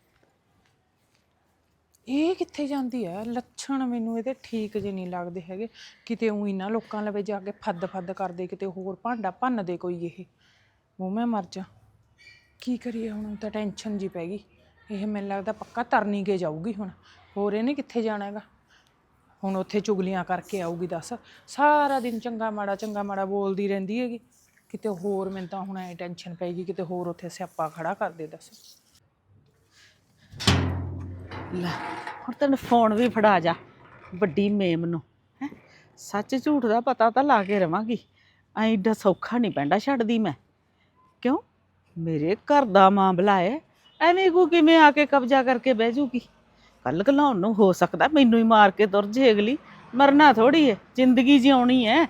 ਇਹ ਕਿੱਥੇ ਜਾਂਦੀ ਹੈ? ਲੱਛਣ ਮੈਨੂੰ ਇਹਦੇ ਠੀਕ ਜੇ ਨਹੀਂ ਲੱਗਦੇ ਹੈਗੇ। ਕਿਤੇ ਉਹੀ ਨਾ ਲੋਕਾਂ ਲਵੇ ਜਾ ਕੇ ਫੱਦ ਫੱਦ ਕਰਦੇ, ਕਿਤੇ ਹੋਰ ਭਾਂਡਾ ਭੰਨ ਦੇ ਕੋਈ। ਇਹ ਉਹ ਮੈਂ ਮਰ ਜਾ। ਕੀ ਕਰੀਏ ਹੁਣ? ਤਾਂ ਟੈਨਸ਼ਨ ਜੀ ਪੈ ਗਈ। ਇਹ ਮੈਨੂੰ ਲੱਗਦਾ ਪੱਕਾ ਤਰਨੀ ਕੇ ਜਾਊਗੀ ਹੁਣ। ਹੋਰ ਇਹਨੇ ਕਿੱਥੇ ਜਾਣਾ ਹੈਗਾ? ਹੁਣ ਉੱਥੇ ਚੁਗਲੀਆਂ ਕਰਕੇ ਆਊਗੀ। ਦੱਸ ਸਾਰਾ ਦਿਨ ਚੰਗਾ ਮਾੜਾ ਚੰਗਾ ਮਾੜਾ ਬੋਲਦੀ ਰਹਿੰਦੀ ਹੈਗੀ। ਕਿਤੇ ਹੋਰ ਮੈਨੂੰ ਤਾਂ ਹੁਣ ਐ ਟੈਨਸ਼ਨ ਪੈ ਗਈ, ਕਿਤੇ ਹੋਰ ਉੱਥੇ ਸਿਆਪਾ ਖੜਾ ਕਰ ਦੇ। ਦੱਸ
ਲੈ ਹੁਣ ਤੈਨੂੰ ਫੋਨ ਵੀ ਫੜਾ ਜਾ, ਵੱਡੀ ਮੇਮ ਨੂੰ। ਹੈ ਸੱਚ ਝੂਠ ਦਾ ਪਤਾ ਤਾਂ ਲਾ ਕੇ ਰਵਾਂਗੀ। ਐਂ ਏਡਾ ਸੌਖਾ ਨਹੀਂ ਪੈਂਦਾ ਛੱਡਦੀ ਮੈਂ। ਕਿਉਂ? ਮੇਰੇ ਘਰ ਦਾ ਮਾਮਲਾ ਹੈ, ਐਵੇਂ ਕੋ ਕਿਵੇਂ ਆ ਕੇ ਕਬਜ਼ਾ ਕਰਕੇ ਬਹਿ ਜੂਗੀ? ਕੱਲ ਘਲਾਉਣ ਨੂੰ ਹੋ ਸਕਦਾ ਮੈਨੂੰ ਹੀ ਮਾਰ ਕੇ ਤੁਰ ਜੇ ਅਗਲੀ। ਮਰਨਾ ਥੋੜੀ ਹੈ, ਜ਼ਿੰਦਗੀ ਜਿਉਣੀ ਹੈ।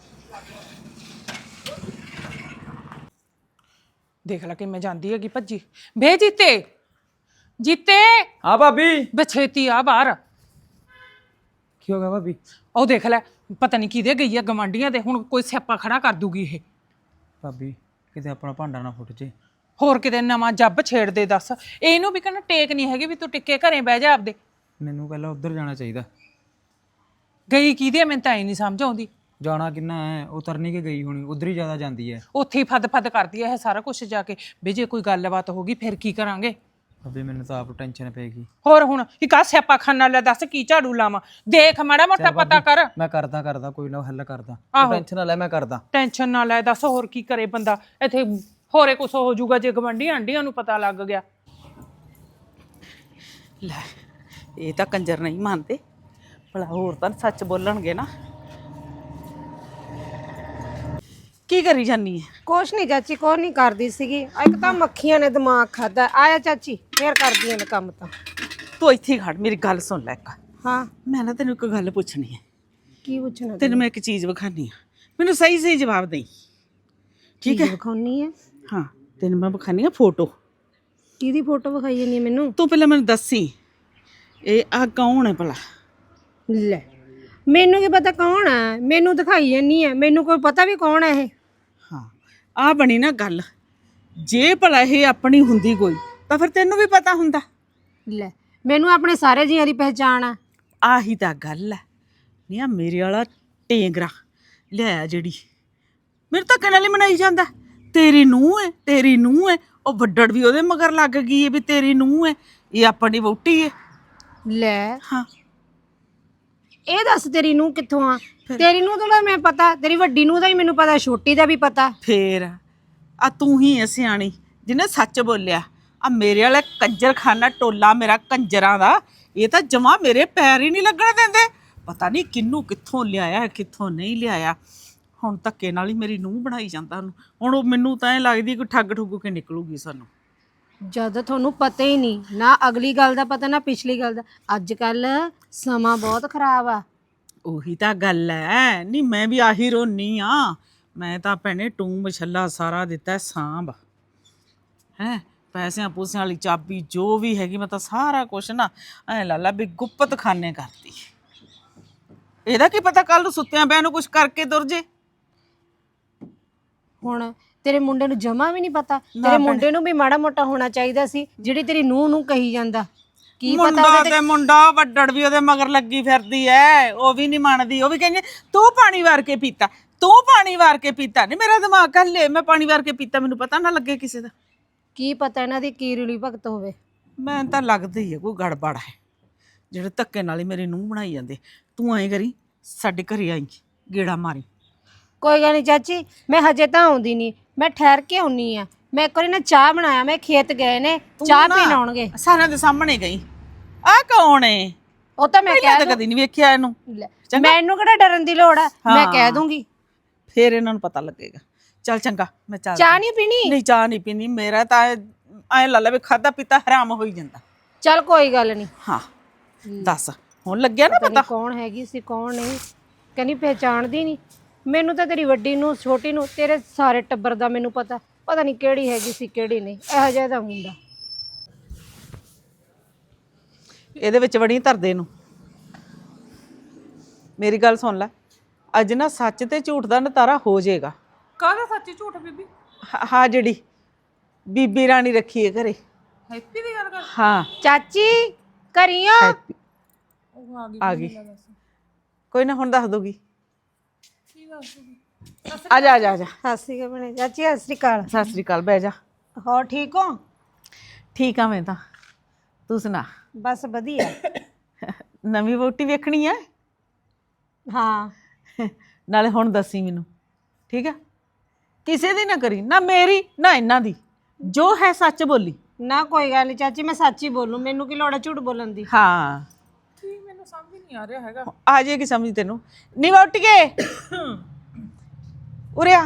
ਦੇਖ ਲੈ ਕਿਵੇਂ ਜਾਂਦੀ ਹੈਗੀ ਭੱਜੀ। ਬੇ ਜੀਤੇ, ਜੀਤੇ
ਹਾਂ ਭਾਬੀ।
ਬਛੇਤੀ ਆ ਬਾਹਰ।
ਕੀ ਹੋ ਗਿਆ ਭਾਬੀ?
ਉਹ ਦੇਖ ਲੈ, ਪਤਾ ਨਹੀਂ ਕਿਹਦੇ ਗਈ ਆ, ਗਵਾਂਢੀਆਂ ਦੇ। ਹੁਣ ਕੋਈ ਸਿਆਪਾ ਖੜਾ ਕਰ ਦੂਗੀ ਇਹ।
ਭਾਬੀ ਕਿਤੇ ਆਪਣਾ ਭਾਂਡਾ ਨਾ ਫੁੱਟ ਜੇ।
ਹੋਰ ਕਿਤੇ ਨਵਾਂ ਜੱਬ ਛੇੜ ਦੇ। ਦੱਸ ਇਹਨੂੰ ਵੀ ਕਹਿੰਦਾ ਟੇਕ ਨਹੀਂ ਹੈਗੀ ਵੀ ਤੂੰ ਟਿੱਕੇ ਘਰੇ ਬਹਿ ਜਾ ਆਪਦੇ।
ਮੈਨੂੰ ਪਹਿਲਾਂ ਉੱਧਰ ਜਾਣਾ ਚਾਹੀਦਾ।
ਗਈ ਕਿਹਦੀ ਆ? ਮੈਨੂੰ ਤਾਂ ਐ ਨਹੀਂ ਸਮਝ ਆਉਂਦੀ।
ਜਾਣਾ ਕਿੰਨਾ ਹੈ? ਉਹ ਤਰਨੀ ਕੇ ਗਈ ਹੋਣੀ, ਉੱਧਰ ਹੀ ਜ਼ਿਆਦਾ ਜਾਂਦੀ ਹੈ।
ਉੱਥੇ ਹੀ ਫੱਦ ਫੱਦ ਕਰਦੀ ਹੈ ਇਹ ਸਾਰਾ ਕੁਝ ਜਾ ਕੇ। ਵੀ ਜੇ ਕੋਈ ਗੱਲਬਾਤ ਹੋ ਗਈ ਫਿਰ ਕੀ ਕਰਾਂਗੇ?
ਭਾਬੀ ਮੈਨੂੰ ਤਾਂ ਆਪ ਟੈਨਸ਼ਨ ਪੈ ਗਈ।
ਹੋਰ ਹੁਣ ਇੱਕ ਆ ਸਿਆਪਾ ਖਾਨਾ ਲੈ। ਦੱਸ ਕੀ ਝਾੜੂ ਲਾਵਾਂ? ਦੇਖ ਮਾੜਾ ਮੋਟਾ ਪਤਾ ਕਰ।
ਮੈਂ ਕਰਦਾ ਕਰਦਾ ਕੋਈ ਨਾ ਹੱਲ ਕਰਦਾ।
ਆਹੋ।
ਟੈਨਸ਼ਨ ਨਾ ਲੈ, ਮੈਂ ਕਰਦਾ।
ਟੈਨਸ਼ਨ ਨਾ ਲੈ। ਦੱਸ ਹੋਰ ਕੀ ਕਰੇ ਬੰਦਾ? ਇੱਥੇ ਹੋਰੇ ਕੁਛ ਹੋ ਜਾਊਗਾ ਜੇ ਗਵੰਡੀ ਆਂਡੀਆਂ ਨੂੰ ਪਤਾ ਲੱਗ ਗਿਆ।
ਲੈ ਇਹ ਤਾਂ ਕੰਜਰ ਨਹੀਂ ਮੰਨਦੇ, ਭਲਾ ਹੋਰ ਤਾਂ ਸੱਚ ਬੋਲਣਗੇ ਨਾ। ਕੀ ਕਰੀ ਜਾਨੀ ਹੈ?
ਕੁਛ ਨਹੀਂ ਚਾਚੀ, ਕੁਛ ਨਹੀਂ ਕਰਦੀ ਸੀਗੀ। ਇੱਕ ਤਾਂ ਮੱਖੀਆਂ ਨੇ ਦਿਮਾਗ ਖਾਦਾ। ਆਇਆ ਚਾਚੀ, ਫੇਰ ਕਰਦੀਆਂ ਨੇ ਕੰਮ ਤਾਂ।
ਤੂੰ ਇੱਥੇ ਹੀ ਖੜ, ਮੇਰੀ ਗੱਲ ਸੁਣ ਲੈ ਇੱਕ।
ਹਾਂ
ਮੈਂ ਨਾ ਤੈਨੂੰ ਇੱਕ ਗੱਲ ਪੁੱਛਣੀ ਹੈ।
ਕੀ ਪੁੱਛਣਾ?
ਤੈਨੂੰ ਮੈਂ ਇੱਕ ਚੀਜ਼ ਵਿਖਾਣੀ ਆ, ਮੈਨੂੰ ਸਹੀ ਸਹੀ ਜਵਾਬ ਦੇਈ, ਠੀਕ ਹੈ?
ਵਿਖਾਉਣੀ ਹੈ?
ਹਾਂ ਤੈਨੂੰ ਮੈਂ ਵਿਖਾਣੀ ਆ ਫੋਟੋ।
ਕਿਹਦੀ ਫੋਟੋ ਵਿਖਾਈ ਜਾਂਦੀ ਹੈ ਮੈਨੂੰ?
ਤੂੰ ਪਹਿਲਾਂ ਮੈਨੂੰ ਦੱਸੀ ਇਹ ਆ ਕੌਣ ਹੈ ਭਲਾ?
ਲੈ ਮੈਨੂੰ ਕੀ ਪਤਾ ਕੌਣ ਆ, ਮੈਨੂੰ ਦਿਖਾਈ ਜਾਂਦੀ ਹੈ, ਮੈਨੂੰ ਕੋਈ ਪਤਾ ਵੀ ਕੌਣ ਹੈ ਇਹ।
ਹਾਂ ਆ ਬਣੀ ਨਾ ਗੱਲ। ਜੇ ਭਲਾ ਇਹ ਆਪਣੀ ਹੁੰਦੀ ਕੋਈ ਤਾਂ ਫਿਰ ਤੈਨੂੰ ਵੀ ਪਤਾ ਹੁੰਦਾ।
ਲੈ ਮੈਨੂੰ ਆਪਣੇ ਸਾਰੇ ਜੀਆਂ ਦੀ ਪਹਿਚਾਣ ਆ।
ਆਹੀ ਤਾਂ ਗੱਲ ਹੈ। ਨਹੀਂ ਆ ਮੇਰੇ ਵਾਲਾ ਟੇਂਗਰਾ ਲਿਆਇਆ ਜਿਹੜੀ ਮੇਰੇ ਤਾਂ ਕਹਿਣ ਵਾਲੀ ਮਨਾਈ ਜਾਂਦਾ ਤੇਰੀ ਨੂੰਹ ਹੈ ਤੇਰੀ ਨੂੰਹ ਹੈ। ਉਹ ਵੱਡੜ ਵੀ ਉਹਦੇ ਮਗਰ ਲੱਗ ਗਈ ਹੈ ਵੀ ਤੇਰੀ ਨੂੰਹ ਹੈ, ਇਹ ਆਪਣੀ ਵਹੁਟੀ ਹੈ।
ਲੈ
ਹਾਂ
ਇਹ ਦੱਸ ਤੇਰੀ ਨੂੰਹ ਕਿੱਥੋਂ ਆ? ਤੇਰੀ ਨੂੰਹ ਦਾ ਮੈਂ ਪਤਾ, ਤੇਰੀ ਵੱਡੀ ਨੂੰਹ ਦਾ ਵੀ ਮੈਨੂੰ ਪਤਾ, ਛੋਟੀ ਦਾ ਵੀ ਪਤਾ।
ਫੇਰ ਆ ਤੂੰ ਹੀ ਐ ਸਿਆਣੀ ਜਿਹਨੇ ਸੱਚ ਬੋਲਿਆ। ਆ ਮੇਰੇ ਵਾਲਾ ਕੰਜਰਖਾਨਾ ਟੋਲਾ ਮੇਰਾ ਕੰਜਰਾਂ ਦਾ, ਇਹ ਤਾਂ ਜਮਾਂ ਮੇਰੇ ਪੈਰ ਹੀ ਨਹੀਂ ਲੱਗਣ ਦਿੰਦੇ। ਪਤਾ ਨਹੀਂ ਕਿੰਨੂੰ ਕਿੱਥੋਂ ਲਿਆਇਆ ਕਿੱਥੋਂ ਨਹੀਂ ਲਿਆਇਆ। ਹੁਣ ਧੱਕੇ ਨਾਲ ਹੀ ਮੇਰੀ ਨੂੰਹ ਬਣਾਈ ਜਾਂਦਾ ਉਹਨੂੰ। ਹੁਣ ਉਹ ਮੈਨੂੰ ਤਾਂ ਐ ਲੱਗਦੀ ਕੋਈ ਠੱਗ ਠੁੱਗ ਕੇ ਨਿਕਲੂਗੀ ਸਾਨੂੰ।
ਜਦ ਤੁਹਾਨੂੰ ਪਤਾ ਹੀ ਨਹੀਂ ਨਾ ਅਗਲੀ ਗੱਲ ਦਾ ਪਤਾ ਨਾ ਪਿਛਲੀ ਗੱਲ ਦਾ। ਅੱਜ ਕੱਲ ਸਮਾਂ ਬਹੁਤ ਖਰਾਬ ਆ।
ਉਹੀ ਤਾਂ ਗੱਲ ਐ। ਨਹੀਂ ਮੈਂ ਵੀ ਆਹੀ ਰੋਨੀ ਆ। ਮੈਂ ਤਾਂ ਭੈਣੇ ਟੂੰ ਮਛੱਲਾ ਸਾਰਾ ਦਿੱਤਾ ਸਾਂਭ ਹੈ, ਪੈਸਿਆਂ ਪੂਸਿਆਂ ਵਾਲੀ ਚਾਬੀ ਜੋ ਵੀ ਹੈਗੀ ਮੈਂ ਤਾਂ ਸਾਰਾ ਕੁਛ ਨਾ ਐ ਲਾ ਲਾ ਵੀ ਗੁੱਪਤ ਖਾਨੇ ਕਰਤੀ। ਇਹਦਾ ਕੀ ਪਤਾ ਕੱਲ ਨੂੰ ਸੁੱਤਿਆਂ ਪਿਆ ਨੂੰ ਕੁਛ ਕਰਕੇ ਤੁਰ ਜੇ।
ਹੁਣ ਤੇਰੇ ਮੁੰਡੇ ਨੂੰ ਜਮਾ ਵੀ ਨਹੀਂ ਪਤਾ। ਤੇਰੇ ਮੁੰਡੇ ਨੂੰ ਵੀ ਮਾੜਾ ਮੋਟਾ ਹੋਣਾ ਚਾਹੀਦਾ ਸੀ, ਜਿਹੜੀ ਤੇਰੀ ਨੂੰਹ ਨੂੰ ਕਹੀ ਜਾਂਦਾ। ਕੀ ਪਤਾ
ਮੁੰਡਾ
ਉਹਦੇ
ਤੇ ਮੁੰਡਾ ਵੱਡੜ ਵੀ ਉਹਦੇ ਮਗਰ ਲੱਗੀ ਫਿਰਦੀ ਐ। ਉਹ ਵੀ ਨਹੀਂ ਮੰਨਦੀ। ਉਹ ਵੀ ਕਹਿੰਦੀ ਤੂੰ ਪਾਣੀ ਵਾਰ ਕੇ ਪੀਤਾ, ਤੂੰ ਪਾਣੀ ਵਾਰ ਕੇ ਪੀਤਾ। ਨਹੀਂ ਮੇਰਾ ਦਿਮਾਗ ਹੱਲੇ, ਮੈਂ ਪਾਣੀ ਵਾਰ ਕੇ ਪੀਤਾ ਮੈਨੂੰ ਪਤਾ ਨਾ ਲੱਗੇ ਕਿਸੇ ਦਾ।
ਕੀ ਪਤਾ ਇਹਨਾਂ ਦੀ ਕੀ ਰੂਲੀ ਭਗਤ ਹੋਵੇ।
ਮੈਂ ਤਾਂ ਲੱਗਦਾ ਹੀ ਹੈ ਕੋਈ ਗੜਬੜ ਹੈ ਜਿਹੜੇ ਧੱਕੇ ਨਾਲ ਹੀ ਮੇਰੀ ਨੂੰਹ ਬਣਾਈ ਜਾਂਦੇ। ਤੂੰ ਐਂ ਕਰੀ ਸਾਡੇ ਘਰੇ ਆਈ ਗੇੜਾ ਮਾਰੀ।
ਕੋਈ ਗੱਲ ਨਹੀਂ ਚਾਚੀ, ਮੈਂ ਹਜੇ ਤਾਂ ਆਉਂਦੀ ਨਹੀਂ, ਮੈਂ ਠਹਿਰ ਕੇ ਆਉਣੀ ਆ। ਮੈਂ ਇੱਕ ਵਾਰੀ ਨਾ ਚਾਹ ਬਣਾਇਆ, ਮੈਂ ਖੇਤ ਗਏ ਨੇ ਚਾਹ ਪੀਣ ਆਉਣਗੇ।
ਸਾਰਿਆਂ ਦੇ ਸਾਹਮਣੇ ਗਈ। ਆ ਕੌਣ ਏ?
ਉਹ ਤਾਂ ਮੈਂ
ਪਹਿਲਾਂ
ਕਹਿ
ਤਾਂ ਕਦੀ ਨਹੀਂ ਵੇਖਿਆ ਇਹਨੂੰ।
ਲੈ, ਮੈਨੂੰ ਕਿਹੜਾ ਡਰਨ ਦੀ ਲੋੜ ਆ, ਮੈਂ ਕਹਿ ਦੂੰਗੀ।
ਫੇਰ ਇਹਨਾਂ ਨੂੰ ਪਤਾ ਲੱਗੇਗਾ। ਚੱਲ ਚੰਗਾ ਮੈਂ ਚੱਲ।
ਚਾਹ ਨਹੀਂ ਪੀਣੀ?
ਨਹੀਂ ਚਾਹ ਨਹੀਂ ਪੀਣੀ। ਮੇਰਾ ਤਾਂ ਐਂ ਲਾ ਲਾ ਵੀ ਖਾਦਾ ਪੀਤਾ ਹਰਾਮ ਹੋਈ ਜਾਂਦਾ।
ਚੱਲ ਕੋਈ ਗੱਲ ਨਹੀਂ।
ਹਾਂ ਦੱਸ ਹੁਣ ਲੱਗਿਆ ਨਾ ਪਤਾ
ਕੌਣ ਹੈਗੀ ਸੀ ਕੌਣ ਨਹੀਂ? ਕਹਿੰਦੀ ਪਹਿਚਾਣਦੀ ਨਹੀਂ ਮੈਨੂੰ। ਤਾਂ ਤੇਰੀ ਵੱਡੀ ਨੂੰ ਛੋਟੀ ਨੂੰ ਤੇਰੇ ਸਾਰੇ ਟੱਬਰ ਦਾ ਮੈਨੂੰ ਪਤਾ। ਪਤਾ ਨਹੀਂ ਕਿਹੜੀ ਹੈਗੀ ਸੀ ਕਿਹੜੀ ਨਹੀਂ। ਇਹੋ ਜਿਹਾ ਦਾ ਮੁੰਡਾ।
ਇਹਦੇ ਵਿੱਚ ਵੜੀ ਧਰਦੇ ਨੂੰ। ਮੇਰੀ ਗੱਲ ਸੁਣ ਲੈ, ਅੱਜ ਨਾ ਸੱਚ ਤੇ ਝੂਠ ਦਾ ਨਤਾਰਾ ਹੋ ਜਾਏਗਾ।
ਕਾਹਦਾ ਸੱਚੀ ਝੂਠ ਬੀਬੀ?
ਹਾਂ ਜਿਹੜੀ ਬੀਬੀ ਰਾਣੀ ਰੱਖੀ ਹੈ ਘਰੇ।
ਹੈਪੀ ਦੀ ਗੱਲ ਕਰ।
ਹਾਂ
ਚਾਚੀ ਕਰੀਓ।
ਹੈਪੀ
ਉਹ ਆ ਗਈ।
ਆ ਗਈ। ਕੋਈ ਨਾ ਹੁਣ ਦੱਸ ਦੋਗੀ। ਆ ਜਾ ਆ ਜਾ ਆ ਜਾ।
ਸਤਿ ਸ਼੍ਰੀ ਅਕਾਲ ਭੈਣੇ। ਚਾਚੀ ਸਤਿ ਸ਼੍ਰੀ ਅਕਾਲ।
ਸਤਿ ਸ੍ਰੀ ਅਕਾਲ। ਬਹਿ ਜਾ।
ਹੋਰ ਠੀਕ ਹੋ?
ਠੀਕ ਆ ਮੈਂ ਤਾਂ। ਤੂੰ ਸੁਣਾ?
ਬਸ ਵਧੀਆ।
ਨਵੀਂ ਵਹੁਟੀ ਵੇਖਣੀ ਆ?
ਹਾਂ
ਨਾਲੇ ਹੁਣ ਦੱਸੀ ਮੈਨੂੰ, ਠੀਕ ਆ? ਕਿਸੇ ਦੀ ਨਾ ਕਰੀ, ਨਾ ਮੇਰੀ ਨਾ ਇਹਨਾਂ ਦੀ। ਜੋ ਹੈ ਸੱਚ ਬੋਲੀ।
ਨਾ ਕੋਈ ਗੱਲ ਨਹੀਂ ਚਾਚੀ, ਮੈਂ ਸੱਚ ਹੀ ਬੋਲੂ। ਮੈਨੂੰ ਕੀ ਲੋੜ ਹੈ ਝੂਠ ਬੋਲਣ ਦੀ।
ਹਾਂ
ਕੀ ਮੈਨੂੰ ਸਮਝ ਨਹੀਂ ਆ ਰਿਹਾ ਹੈਗਾ।
ਆ ਜਾਏਗੀ ਸਮਝ ਤੈਨੂੰ। ਨੀ ਵਹੁਟੀ ਕੇ ਉਰੇ ਆ।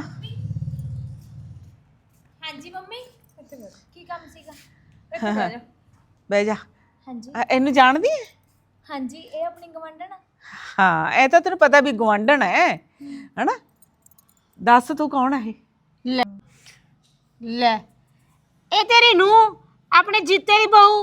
ਹਾਂਜੀ ਮੰਮੀ, ਕੀ ਕੰਮ ਸੀਗਾ?
ਬਹਿ ਜਾ।
ਹਾਂਜੀ
ਆ, ਇਹਨੂੰ ਜਾਣਦੀ ਹੈ?
ਹਾਂਜੀ, ਇਹ ਆਪਣੀ ਗਵੰਡਣ ਆ।
ਹਾਂ ਇਹ ਤਾਂ ਤੈਨੂੰ ਪਤਾ ਵੀ ਗਵਾਂਢਣ ਹੈ ਹਨਾ। ਦੱਸ ਤੂੰ ਕੌਣ ਹੈ ਇਹ?
ਲੈ ਲੈ ਇਹ ਤੇਰੀ ਨੂੰਹ, ਆਪਣੇ ਜੀਤੇ ਦੀ ਬਹੂ।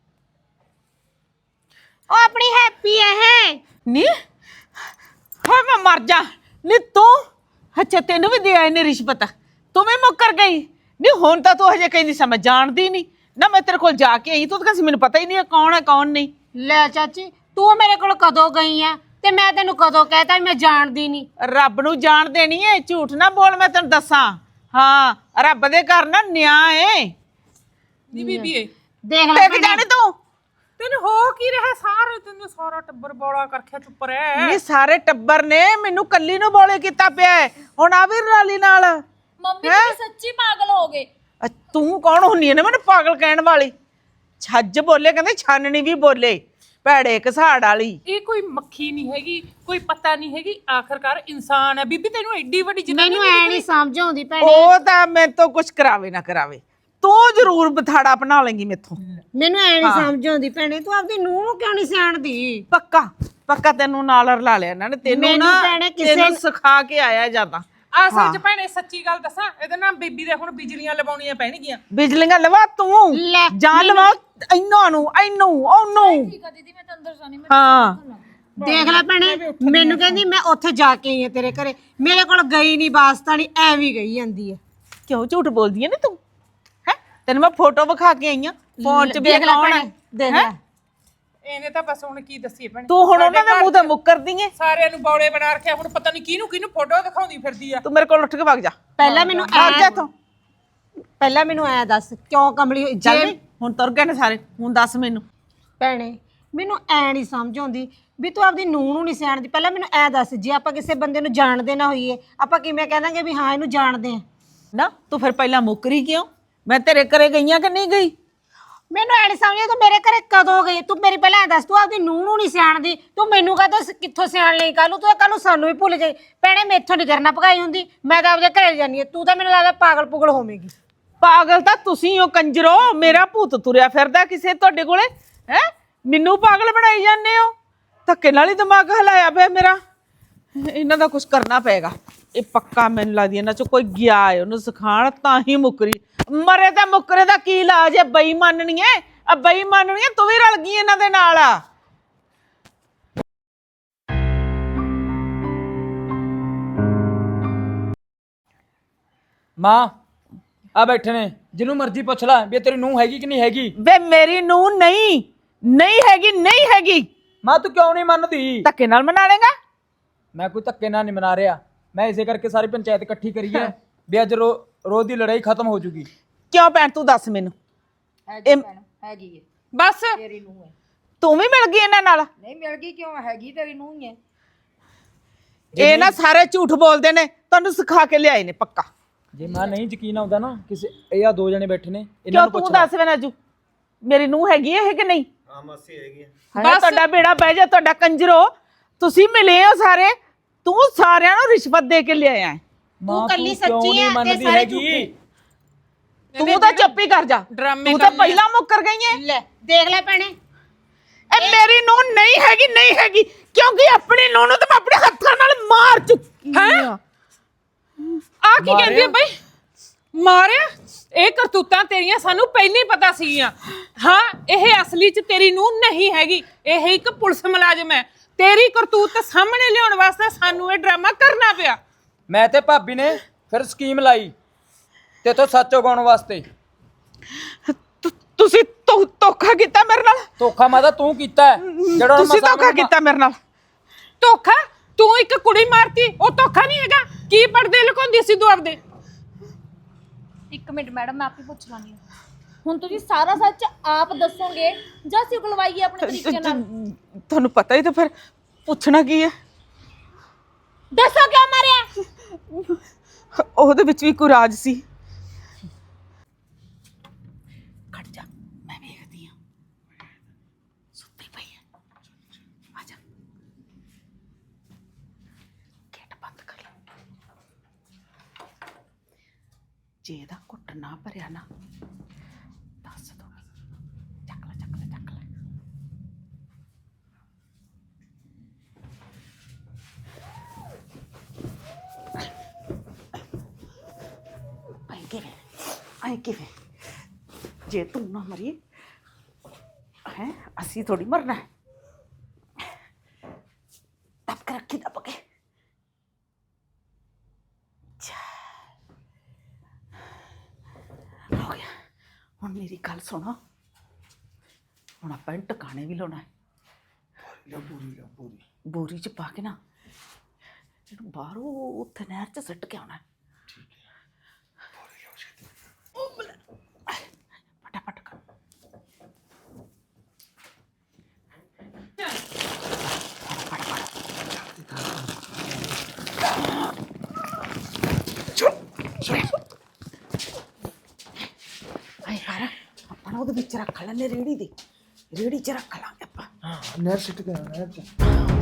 ਉਹ ਆਪਣੀ ਹੈਪੀ ਹੈ।
ਨੀ ਹਾਂ ਮੈਂ ਮਰ ਜਾ। ਨੀ ਤੂੰ ਅੱਛਾ ਤੈਨੂੰ ਵੀ ਦੇ ਆਏ ਨੇ ਰਿਸ਼ਵਤ, ਤੂੰ ਵੀ ਮੁੱਕਰ ਗਈ। ਨੀ ਹੁਣ ਤਾਂ ਤੂੰ ਹਜੇ ਕਹਿੰਦੀ ਸੀ ਮੈਂ ਜਾਣਦੀ ਨਹੀਂ ਨਾ। ਮੈਂ ਤੇਰੇ ਕੋਲ ਜਾ ਕੇ ਆਈ, ਤੂੰ ਤਾਂ ਕਹਿੰਦੀ ਮੈਨੂੰ ਪਤਾ ਹੀ ਨਹੀਂ ਕੌਣ ਹੈ ਕੌਣ ਨਹੀਂ।
ਲੈ ਚਾਚੀ ਤੂੰ ਮੇਰੇ ਕੋਲ ਕਦੋਂ ਗਈ ਆ ਤੇ ਮੈਂ ਤੈਨੂੰ ਕਦੋਂ ਕਹਿਤਾ ਮੈਂ ਜਾਣਦੀ ਨਹੀਂ?
ਰੱਬ ਨੂੰ ਜਾਣ ਦੇਣੀ ਏ। ਝੂਠ ਨਾ ਬੋਲ, ਮੈਂ ਤੈਨੂੰ ਦੱਸਾਂ। ਹਾਂ ਰੱਬ ਦੇ ਘਰ ਨਾ ਨਿਆਂ ਏ।
ਨੀ ਬੀਬੀ ਏ
ਦੇਖ ਲੈ
ਟਿਕ ਜਾਣੀ ਤੂੰ।
ਤੈਨੂੰ ਹੋ ਕੀ ਰਿਹਾ? ਸਾਰੇ ਤੈਨੂੰ ਸਾਰਾ ਟੱਬਰ ਬੋਲਾ ਕਰਖਿਆ ਚੁੱਪ ਰਹਿ।
ਇਹ ਸਾਰੇ ਟੱਬਰ ਨੇ ਮੈਨੂੰ ਕੱਲੀ ਨੂੰ ਬੋਲੇ ਕੀਤਾ ਪਿਆ ਹੈ। ਹੁਣ ਆ ਵੀ ਰਾਲੀ ਨਾਲ।
ਮੰਮੀ ਤੁਸੀਂ ਸੱਚੀ ਪਾਗਲ ਹੋ ਗਏ।
ਅ, ਤੂੰ ਕੌਣ ਹੁੰਨੀ ਹੈ ਨਾ ਮੈਨੂੰ ਪਾਗਲ ਕਹਿਣ ਵਾਲੀ? ਛੱਜ ਬੋਲੇ, ਕਹਿੰਦੇ ਛਾਨਣੀ ਵੀ ਬੋਲੇ, ਭੈੜੇ ਘਸਾੜ ਵਾਲੀ।
ਇਹ ਕੋਈ ਮੱਖੀ ਨਹੀਂ ਹੈਗੀ, ਕੋਈ ਪਤਾ ਨਹੀਂ ਹੈਗੀ, ਆਖਰਕਾਰ ਇਨਸਾਨ ਹੈ। ਬੀਬੀ ਤੈਨੂੰ ਐਡੀ ਵੱਡੀ ਜਨਾਨੀ
ਮੈਨੂੰ ਐ ਨਹੀਂ ਸਮਝ ਆਉਂਦੀ ਭੈਣੇ।
ਉਹ ਤਾਂ ਮੇਰੇ ਤੋਂ ਕੁਝ ਕਰਾਵੇ ਨਾ ਕਰਾਵੇ, ਤੂੰ ਜ਼ਰੂਰ ਬਥਾੜਾ ਬਣਾ ਲੇਂਗੀ ਮੇਥੋਂ।
ਮੈਨੂੰ ਐ ਨਹੀਂ ਸਮਝ ਆਉਂਦੀ ਭੈਣੇ, ਤੂੰ ਆਪਦੀ ਨੂੰਹ ਨੂੰ ਕਿਉਂ ਨਹੀਂ ਸਿਆਣਦੀ?
ਪੱਕਾ ਪੱਕਾ ਤੈਨੂੰ ਨਾਲ ਰਲਾ ਲਿਆ ਇਹਨਾਂ ਨੇ। ਤੈਨੂੰ
ਮੈਨੂੰ
ਨਾ
ਭੈਣੇ ਕਿਸੇ-
ਤੈਨੂੰ ਸਿਖਾ ਕੇ ਆਇਆ ਜਾਂਦਾ।
ਅਸਲ ਚ ਭੈਣੇ ਸੱਚੀ ਗੱਲ ਦੱਸਾਂ, ਇਹਦੇ ਨਾਲ ਬੀਬੀ ਦੇ ਹੁਣ ਬਿਜਲੀਆਂ ਲਵਾਉਣੀਆਂ ਪੈਣਗੀਆਂ।
ਬਿਜਲੀਆਂ ਲਵਾ ਤੂੰ
ਲੈ,
ਜਾਂ ਲਵਾ ਇਹਨਾਂ ਨੂੰ ਇਹਨੂੰ ਉਹਨੂੰ।
ਠੀਕ ਆ ਦੀਦੀ ਮੈਂ ਤਾਂ ਅੰਦਰ ਜਾਣੀ ਮੈਂ
ਹਾਂ
ਦੇਖ ਲੈ ਭੈਣੇ, ਮੈਨੂੰ ਕਹਿੰਦੀ ਮੈਂ ਉੱਥੇ ਜਾ ਕੇ ਆਈ ਆ ਤੇਰੇ ਘਰੇ, ਮੇਰੇ ਕੋਲ ਗਈ ਨਹੀਂ ਵਾਸਤਾ ਨਹੀਂ, ਐਵੇਂ ਗਈ ਜਾਂਦੀ ਆ।
ਕਿਉਂ ਝੂਠ ਬੋਲਦੀ ਐ ਨੀ ਤੂੰ ਹੈ? ਤੈਨੂੰ ਮੈਂ ਫੋਟੋ ਵਿਖਾ ਕੇ ਆਈ ਆ ਫੋਨ 'ਚ ਵੀ
ਦੇਖ ਲੈ
ਕੌਣ
ਭੈਣੇ,
ਹੈ
ਦੇਖ ਲੈ।
ਇਹਨੇ ਤਾਂ ਬਸ ਹੁਣ ਕੀ ਦੱਸੀਏ ਭੈਣੇ,
ਤੂੰ ਹੁਣ ਉਹਨਾਂ ਦੇ ਮੂੰਹ ਤੇ ਮੁੱਕਰਦੀ ਐ।
ਸਾਰਿਆਂ ਨੂੰ ਬੌਲੇ ਬਣਾ ਰੱਖਿਆ, ਹੁਣ ਪਤਾ ਨਹੀਂ ਕਿਹਨੂੰ ਕਿਹਨੂੰ ਫੋਟੋ ਦਿਖਾਉਂਦੀ ਫਿਰਦੀ ਆ।
ਤੂੰ ਮੇਰੇ ਕੋਲ ਉੱਠ ਕੇ ਵਗ ਜਾ,
ਪਹਿਲਾਂ ਮੈਨੂੰ
ਵਗ ਜਾ
ਐ
ਤੂੰ।
ਪਹਿਲਾਂ ਮੈਨੂੰ ਐ ਦੱਸ ਕਿਉਂ ਕਮਲੀ ਹੋਈ
ਚੱਲ
ਜੇ
ਨੀ, ਹੁਣ ਤੁਰ ਗਏ ਨੇ ਸਾਰੇ, ਹੁਣ ਦੱਸ ਮੈਨੂੰ।
ਭੈਣੇ ਮੈਨੂੰ ਐ ਨਹੀਂ ਸਮਝ ਆਉਂਦੀ ਵੀ ਤੂੰ ਆਪਦੀ ਨੂੰਹ ਨੂੰ ਨਹੀਂ ਸਿਆਣਦੀ। ਪਹਿਲਾਂ ਮੈਨੂੰ ਐ ਦੱਸ, ਜੇ ਆਪਾਂ ਕਿਸੇ ਬੰਦੇ ਨੂੰ ਜਾਣਦੇ ਨਾ ਹੋਈਏ, ਆਪਾਂ ਕਿਵੇਂ ਕਹਿ ਦਾਂਗੇ ਵੀ ਹਾਂ ਇਹਨੂੰ ਜਾਣਦੇ ਆ?
ਨਾ ਤੂੰ ਫਿਰ ਪਹਿਲਾਂ ਮੁੱਕਰੀ ਕਿਉਂ? ਮੈਂ ਤੇਰੇ ਘਰੇ ਗਈਆਂ ਕਿ ਨਹੀਂ ਗਈ?
ਮੈਨੂੰ ਐ ਨਹੀਂ ਸਮਝ, ਤੂੰ ਮੇਰੇ ਘਰੇ ਕਦੋਂ ਗਈ? ਤੂੰ ਮੇਰੀ ਪਹਿਲਾਂ ਐ ਦੱਸ, ਤੂੰ ਆਪਦੀ ਨੂੰਹ ਨੂੰ ਨਹੀਂ ਸਿਆਣਦੀ, ਤੂੰ ਮੈਨੂੰ ਕਹਦਾ ਕਿੱਥੋਂ ਸਿਆਣ ਲਈ? ਕੱਲ ਨੂੰ ਤੂੰ ਕੱਲ ਨੂੰ ਸਾਨੂੰ ਵੀ ਭੁੱਲ ਜਾਈ। ਭੈਣੇ ਮੈਥੋਂ ਨਹੀਂ ਕਰਨਾ ਭਗਾਈ ਹੁੰਦੀ, ਮੈਂ ਤਾਂ ਆਪਦੇ ਘਰੇ ਜਾਨੀ ਆ। ਤੂੰ ਤਾਂ ਮੈਨੂੰ ਲੱਗਦਾ ਪਾਗਲ ਪੁਗਲ ਹੋਵੇਂਗੀ।
ਪਾਗਲ ਤਾਂ ਤੁਸੀਂ ਹੋ ਕੰਜਰੋ, ਮੇਰਾ ਭੂਤ ਤੁਰਿਆ ਫਿਰਦਾ ਕਿਸੇ ਤੁਹਾਡੇ ਕੋਲੇ ਹੈ? ਮੈਨੂੰ ਪਾਗਲ ਬਣਾਈ ਜਾਂਦੇ ਹੋ। ਧੱਕੇ ਨਾਲ ਹੀ ਦਿਮਾਗ ਹਲਾਇਆ ਪਿਆ ਮੇਰਾ। ਇਹਨਾਂ ਦਾ ਕੁਝ ਕਰਨਾ ਪਏਗਾ। ਇਹ ਪੱਕਾ ਮੈਨੂੰ ਲੱਗਦੀ ਇਹਨਾਂ ਚੋਂ ਕੋਈ ਗਿਆ ਹੈ ਉਹਨੂੰ ਸਿਖਾਣ, ਤਾਂ ਹੀ ਮੁੱਕਰੀ। ਮਰੇ ਤਾਂ ਮੁੱਕਰੇ ਦਾ ਕੀ ਇਲਾਜ ਹੈ? ਬਈ ਮੰਨਣੀ ਹੈ ਆ, ਬਈ ਮੰਨਣੀ ਹੈ। ਤੂੰ ਵੀ ਰਲ ਗਈ ਇਹਨਾਂ ਦੇ ਨਾਲ ਆ।
ਮਾਂ ਆ ਬੈਠੇ ਨੇ, ਜਿਹਨੂੰ ਮਰਜ਼ੀ ਪੁੱਛ ਲੈ ਵੀ ਇਹ ਤੇਰੀ ਨੂੰਹ ਹੈਗੀ ਕਿ ਨਹੀਂ ਹੈਗੀ।
ਵੇ ਮੇਰੀ ਨੂੰ ਨਹੀਂ ਨਹੀਂ ਹੈਗੀ, ਨਹੀਂ ਹੈਗੀ।
ਮਾਂ ਤੂੰ ਕਿਉਂ ਨਹੀਂ ਮੰਨਦੀ?
ਧੱਕੇ ਨਾਲ ਮਨਾ ਲੇਗਾ?
ਮੈਂ ਕੋਈ ਧੱਕੇ ਨਾਲ ਨਹੀਂ ਮਨਾ ਰਿਹਾ, ਮੈਂ ਇਸੇ ਕਰਕੇ ਸਾਰੀ ਪੰਚਾਇਤ ਇਕੱਠੀ ਕਰੀ ਹੈ ਵੀ ਅੱਜ ਰੋ ਰੋਜ਼ ਦੀ ਲੜਾਈ ਖਤਮ ਹੋ ਜੂਗੀ।
ਕਿਉਂ ਭੈਣ ਤੂੰ ਦੱਸ ਮੈਨੂੰ। ਇਹ
ਹੈਗੀ ਹੈ
ਬਸ
ਤੇਰੀ ਨੂੰਹ ਹੈ।
ਤੂੰ ਵੀ ਮਿਲ ਗਈ ਇਹਨਾਂ ਨਾਲ?
ਨਹੀਂ ਮਿਲ ਗਈ ਕਿਉਂ, ਹੈਗੀ ਤੇਰੀ ਨੂੰਹ ਹੀ ਹੈ।
ਇਹ ਨਾ ਸਾਰੇ ਝੂਠ ਬੋਲਦੇ ਨੇ, ਤੁਹਾਨੂੰ ਸਿਖਾ ਕੇ ਲਿਆਏ ਨੇ ਪੱਕਾ।
ਜੇ ਮਾਂ ਨਹੀਂ ਯਕੀਨ ਆਉਂਦਾ ਨਾ ਕਿਸੇ, ਇਹ ਆ ਦੋ ਜਣੇ ਬੈਠੇ ਨੇ, ਇਹਨਾਂ
ਕਿਉਂ
ਨੂੰ
ਤੂੰ
ਪੁੱਛ ਲੈ।
ਦੱਸ ਵੇ ਨਾਜੂ, ਮੇਰੀ ਨੂੰਹ ਹੈਗੀ ਹੈ ਕਿ ਨਹੀਂ?
ਹਾਂ ਮਾਸੀ ਹੈਗੀ ਆ।
ਬਸ ਤੁਹਾਡਾ ਬੇੜਾ ਬਹਿ ਜਾ, ਤੁਹਾਡਾ ਕੰਜਰੋ। ਤੁਸੀਂ ਮਿਲੇ ਹੋ ਸਾਰੇ, ਤੂੰ ਸਾਰਿਆਂ ਨੂੰ ਰਿਸ਼ਵਤ ਦੇ ਕੇ ਲਿਆਇਆ ਹੈ।
ਮਾਂ
ਕੱਲੀ
ਤੂੰ ਕਿਉਂ
ਸੱਚੀ
ਨਹੀਂ
ਆ ਤੇ
ਮੰਨਦੀ
ਸਾਰੇ
ਹੈਗੀ?
ਤੂੰ ਤਾਂ ਚੁੱਪ ਹੀ ਕਰ ਜਾ,
ਡਰਾਮੇ
ਤੂੰ ਤਾਂ
ਕਰਨੇ
ਪਹਿਲਾਂ ਮੁੱਕਰ ਗਈ ਹੈ।
ਲੈ ਦੇਖ ਲੈ ਭੈਣੇ,
ਇਹ ਮੇਰੀ ਨੂੰਹ ਨਹੀਂ ਹੈਗੀ, ਨਹੀਂ ਹੈਗੀ, ਕਿਉਂਕਿ ਆਪਣੀ ਨੂੰਹ ਨੂੰ ਤਾਂ ਮੈਂ ਆਪਣੇ ਹੱਥਾਂ ਨਾਲ ਮਾਰ ਚੁੱਕੀ ਹਾਂ।
ਆ ਕੀ ਕਹਿੰਦੀ ਆ ਬਈ? ਮਾਰਿਆ? ਇਹ ਕਰਤੂਤਾਂ ਤੇਰੀਆਂ ਸਾਨੂੰ ਪਹਿਲਾਂ ਹੀ ਪਤਾ ਸੀਗੀਆਂ। ਹਾਂ, ਇਹ ਅਸਲੀ 'ਚ ਤੇਰੀ ਨੂੰਹ ਨਹੀਂ ਹੈਗੀ, ਇਹ ਇੱਕ ਪੁਲਿਸ ਮੁਲਾਜ਼ਮ ਹੈ। ਤੇਰੀ ਕਰਤੂਤ ਸਾਹਮਣੇ ਲਿਆਉਣ ਵਾਸਤੇ ਸਾਨੂੰ ਇਹ ਡਰਾਮਾ ਕਰਨਾ ਪਿਆ।
ਮੈਂ ਤੇ ਭਾਬੀ ਨੇ ਫਿਰ ਸਕੀਮ ਲਾਈ ਤੇ ਇਥੋਂ ਸੱਚ ਉਗਾਉਣ ਵਾਸਤੇ।
ਤੁ- ਤੁਸੀਂ ਧੋ- ਧੋਖਾ ਕੀਤਾ ਮੇਰੇ ਨਾਲ।
ਧੋਖਾ ਮਾਦਾ ਤੂੰ ਕੀਤਾ ਹੈ, ਜਿਹੜਾ
ਤੁਸੀਂ ਧੋਖਾ ਕੀਤਾ ਮੇਰੇ ਨਾਲ।
ਧੋਖਾ? ਤੂੰ ਇੱਕ ਕੁੜੀ ਮਾਰਤੀ, ਉਹ ਧੋਖਾ ਨਹੀਂ ਹੈਗਾ? ਕੀ ਪਰਦੇ ਲੁਕਾਉਂਦੀ ਸੀ ਤੂੰ ਆਪਦੇ?
ਇੱਕ ਮਿੰਟ ਮੈਡਮ ਮੈਂ ਆਪੇ ਪੁੱਛ ਲਾਂਗੀ। ਹੁਣ ਤੁਸੀਂ ਸਾਰਾ ਸੱਚ ਆਪ ਦੱਸੋਗੇ ਜਾਂ ਅਸੀਂ ਉਗਲਵਾਈਏ ਆਪਣੇ ਤਰੀਕੇ ਨਾਲ?
ਤੁਹਾਨੂੰ ਪਤਾ ਹੀ ਤਾਂ ਫਿਰ ਪੁੱਛਣਾ ਕੀ ਹੈ।
ਦੱਸੋ ਕਿਉਂ ਮਾਰਿਆ?
ਉਹਦੇ ਵਿੱਚ ਵੀ ਕੋਈ ਰਾਜ ਸੀ। ਖੜ ਜਾ, ਮੈਂ ਵੇਖਦੀ ਹਾਂ। ਸੁੱਤੀ ਪਈ ਹੈ, ਆ ਜਾ। ਗੇਟ ਬੰਦ ਕਰ ਲੈ। ਜੇ ਇਹਦਾ ਘੁੱਟ ਨਾ ਭਰਿਆ ਨਾ, ਦੱਸ ਦੋ। ਚੱਕ ਲੈ, ਚੱਕ ਲੈ, ਚੱਕ ਲੈ। ਆਏ ਕਿਵੇਂ ਆਏ ਕਿਵੇਂ ਜੇ ਤੂੰ ਨਾ ਮਰੀ ਹੈ, ਅਸੀਂ ਥੋੜੀ ਮਰਨਾ ਹੈ। ਦੱਬ ਕੇ ਰੱਖੀ, ਦੱਬ ਕੇ। ਹੋ ਗਿਆ। ਹੁਣ ਮੇਰੀ ਗੱਲ ਸੁਣੋ, ਹੁਣ ਆਪਾਂ ਇਹਨੂੰ ਟਿਕਾਣੇ ਵੀ ਲਾਉਣਾ ਹੈ। ਬੋਰੀ ਚ ਪਾ ਕੇ ਨਾ ਇਹਨੂੰ ਬਾਹਰੋਂ ਉੱਥੇ ਨਹਿਰ ਚ ਸੁੱਟ ਕੇ ਆਉਣਾ ਹੈ। फटाफट कर। अपना ਉਹਦੇ ਵਿੱਚ ਰੱਖ ਲੈਣੇ, ਰੇੜੀ ਦੀ ਰੇੜੀ ਚ ਰੱਖ ਲਾਂਗੇ ਆਪਾਂ।
ਹਾਂ ਨਹਿਰ ਸਿੱਟ ਕੇ ਨਹਿਰ ਚ।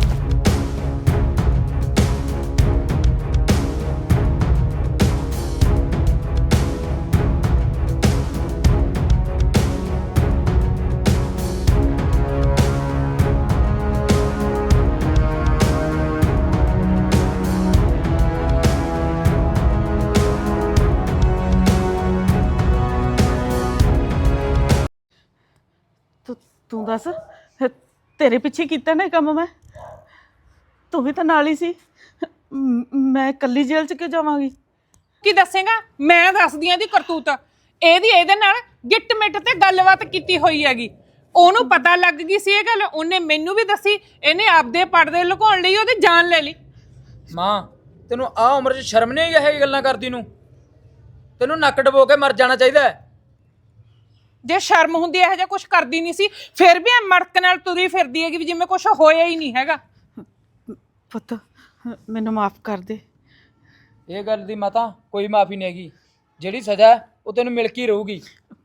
ਤੂੰ ਤੂੰ ਦੱਸ ਤੇਰੇ ਪਿੱਛੇ ਕੀਤਾ ਨਾ ਇਹ ਕੰਮ ਮੈਂ ਤੂੰ ਵੀ ਤਾਂ ਨਾਲ ਹੀ ਸੀ ਮ- ਮੈਂ ਇਕੱਲੀ ਜੇਲ੍ਹ 'ਚ ਕਿਉਂ ਜਾਵਾਂਗੀ?
ਕੀ ਦੱਸੇਗਾ? ਮੈਂ ਦੱਸਦੀ ਆਂ ਦੀ ਕਰਤੂਤ। ਇਹਦੀ ਇਹਦੇ ਨਾਲ ਗਿੱਟ ਮਿੱਟ ਤੇ ਗੱਲਬਾਤ ਕੀਤੀ ਹੋਈ ਹੈਗੀ। ਉਹਨੂੰ ਪਤਾ ਲੱਗ ਗਈ ਸੀ ਇਹ ਗੱਲ, ਉਹਨੇ ਮੈਨੂੰ ਵੀ ਦੱਸੀ। ਇਹਨੇ ਆਪਦੇ ਪਰਦੇ ਲੁਕਾਉਣ ਲਈ ਉਹਦੀ ਜਾਨ ਲੈ ਲਈ।
ਮਾਂ ਤੈਨੂੰ ਆ ਉਮਰ 'ਚ ਸ਼ਰਮ ਨਹੀਂ ਆਈ ਇਹ ਗੱਲਾਂ ਕਰਦੀ ਨੂੰ? ਤੈਨੂੰ ਨੱਕ ਡਬੋ ਕੇ ਮਰ ਜਾਣਾ ਚਾਹੀਦਾ ਹੈ।
ਜੇ ਸ਼ਰਮ ਹੁੰਦੀ ਇਹੋ ਜਿਹਾ ਕੁਝ ਕਰਦੀ ਨਹੀਂ ਸੀ, ਫਿਰ ਵੀ ਇਹ ਮੜਕ ਨਾਲ ਤੁਰੀ ਫਿਰਦੀ ਹੈਗੀ ਵੀ ਜਿਵੇਂ ਕੁਝ ਹੋਇਆ ਹੀ ਨਹੀਂ ਹੈਗਾ।
ਪੁੱਤ ਮੈਨੂੰ ਮਾਫ ਕਰ ਦੇ।
ਇਹ ਗੱਲ ਦੀ ਮਾਤਾ ਕੋਈ ਮਾਫੀ ਨਹੀਂ ਹੈਗੀ। ਜਿਹੜੀ ਸਜ਼ਾ ਹੈ ਉਹ ਤੈਨੂੰ ਮਿਲ ਕੇ ਹੀ ਰਹੂਗੀ।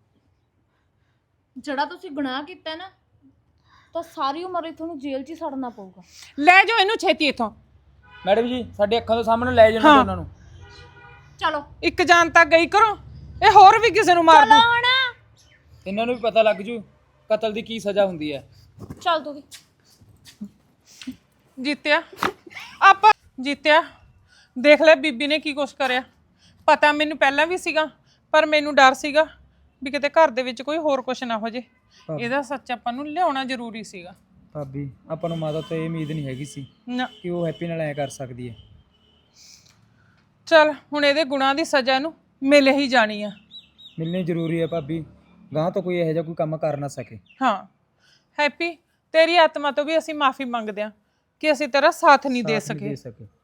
ਜਿਹੜਾ ਤੁਸੀਂ ਗੁਨਾਹ ਕੀਤਾ ਨਾ ਤਾਂ ਸਾਰੀ ਉਮਰ ਇਹ ਤੁਹਾਨੂੰ ਜੇਲ੍ਹ 'ਚ ਹੀ ਸੜਨਾ ਪਊਗਾ।
ਲੈ ਜਾਓ ਇਹਨੂੰ ਛੇਤੀ ਇੱਥੋਂ।
ਮੈਡਮ ਜੀ ਸਾਡੇ ਅੱਖਾਂ ਦੇ ਸਾਹਮਣੇ ਲੈ ਜਾਣਾ ਉਹਨਾਂ ਨੂੰ।
ਚਲੋ
ਇੱਕ ਜਾਨ ਤਾਂ ਗਈ ਕਰੋ, ਇਹ ਹੋਰ ਵੀ ਕਿਸੇ ਨੂੰ ਮਾਰ ਦੂ।
ਹੁਣ
ਇਹਨਾਂ ਨੂੰ ਵੀ ਪਤਾ ਲੱਗ ਜੂ ਕਤਲ ਦੀ ਕੀ ਸਜ਼ਾ ਹੁੰਦੀ ਹੈ।
ਚੱਲ ਤੂੰ ਵੀ
ਜੀਤਿਆ ਆਪਾਂ ਜੀਤਿਆ ਦੇਖ ਲੈ ਬੀਬੀ ਨੇ ਕੀ ਕੁਛ ਕਰਿਆ। ਪਤਾ ਮੈਨੂੰ ਪਹਿਲਾਂ ਵੀ ਸੀਗਾ, ਪਰ ਮੈਨੂੰ ਡਰ ਸੀਗਾ ਵੀ ਕਿਤੇ ਘਰ ਦੇ ਵਿੱਚ ਕੋਈ ਹੋਰ ਕੁਛ ਨਾ ਹੋ ਜੇ। ਇਹਦਾ ਸੱਚ ਆਪਾਂ ਨੂੰ ਲਿਆਉਣਾ ਜ਼ਰੂਰੀ ਸੀਗਾ।
ਭਾਬੀ ਆਪਾਂ ਨੂੰ ਮਾਤਾ ਤੋਂ ਇਹ ਉਮੀਦ ਨਹੀਂ ਹੈਗੀ ਸੀ
ਨਾ
ਕਿ ਉਹ ਹੈਪੀ ਨਾਲ ਐ ਕਰ ਸਕਦੀ ਹੈ।
ਚੱਲ ਹੁਣ ਇਹਦੇ ਗੁਨਾਹ ਦੀ ਸਜ਼ਾ ਇਹਨੂੰ ਮਿਲ ਹੀ ਜਾਣੀ ਆ।
ਮਿਲਣੀ ਜ਼ਰੂਰੀ ਹੈ ਭਾਬੀ, ਗਾਂ ਤੋਂ ਕੋਈ ਇਹੋ ਜਿਹਾ ਕੋਈ ਕੰਮ ਕਰ ਨਾ ਸਕੇ।
ਹਾਂ ਹੈਪੀ, ਤੇਰੀ ਆਤਮਾ ਤੋਂ ਵੀ ਅਸੀਂ ਮਾਫੀ ਮੰਗਦੇ ਹਾਂ ਕਿ ਅਸੀਂ ਤੇਰਾ ਸਾਥ ਨਹੀਂ ਦੇ
ਸਾਥ ਨਹੀਂ
ਸਕੇ।
ਦੇ ਸਕੇ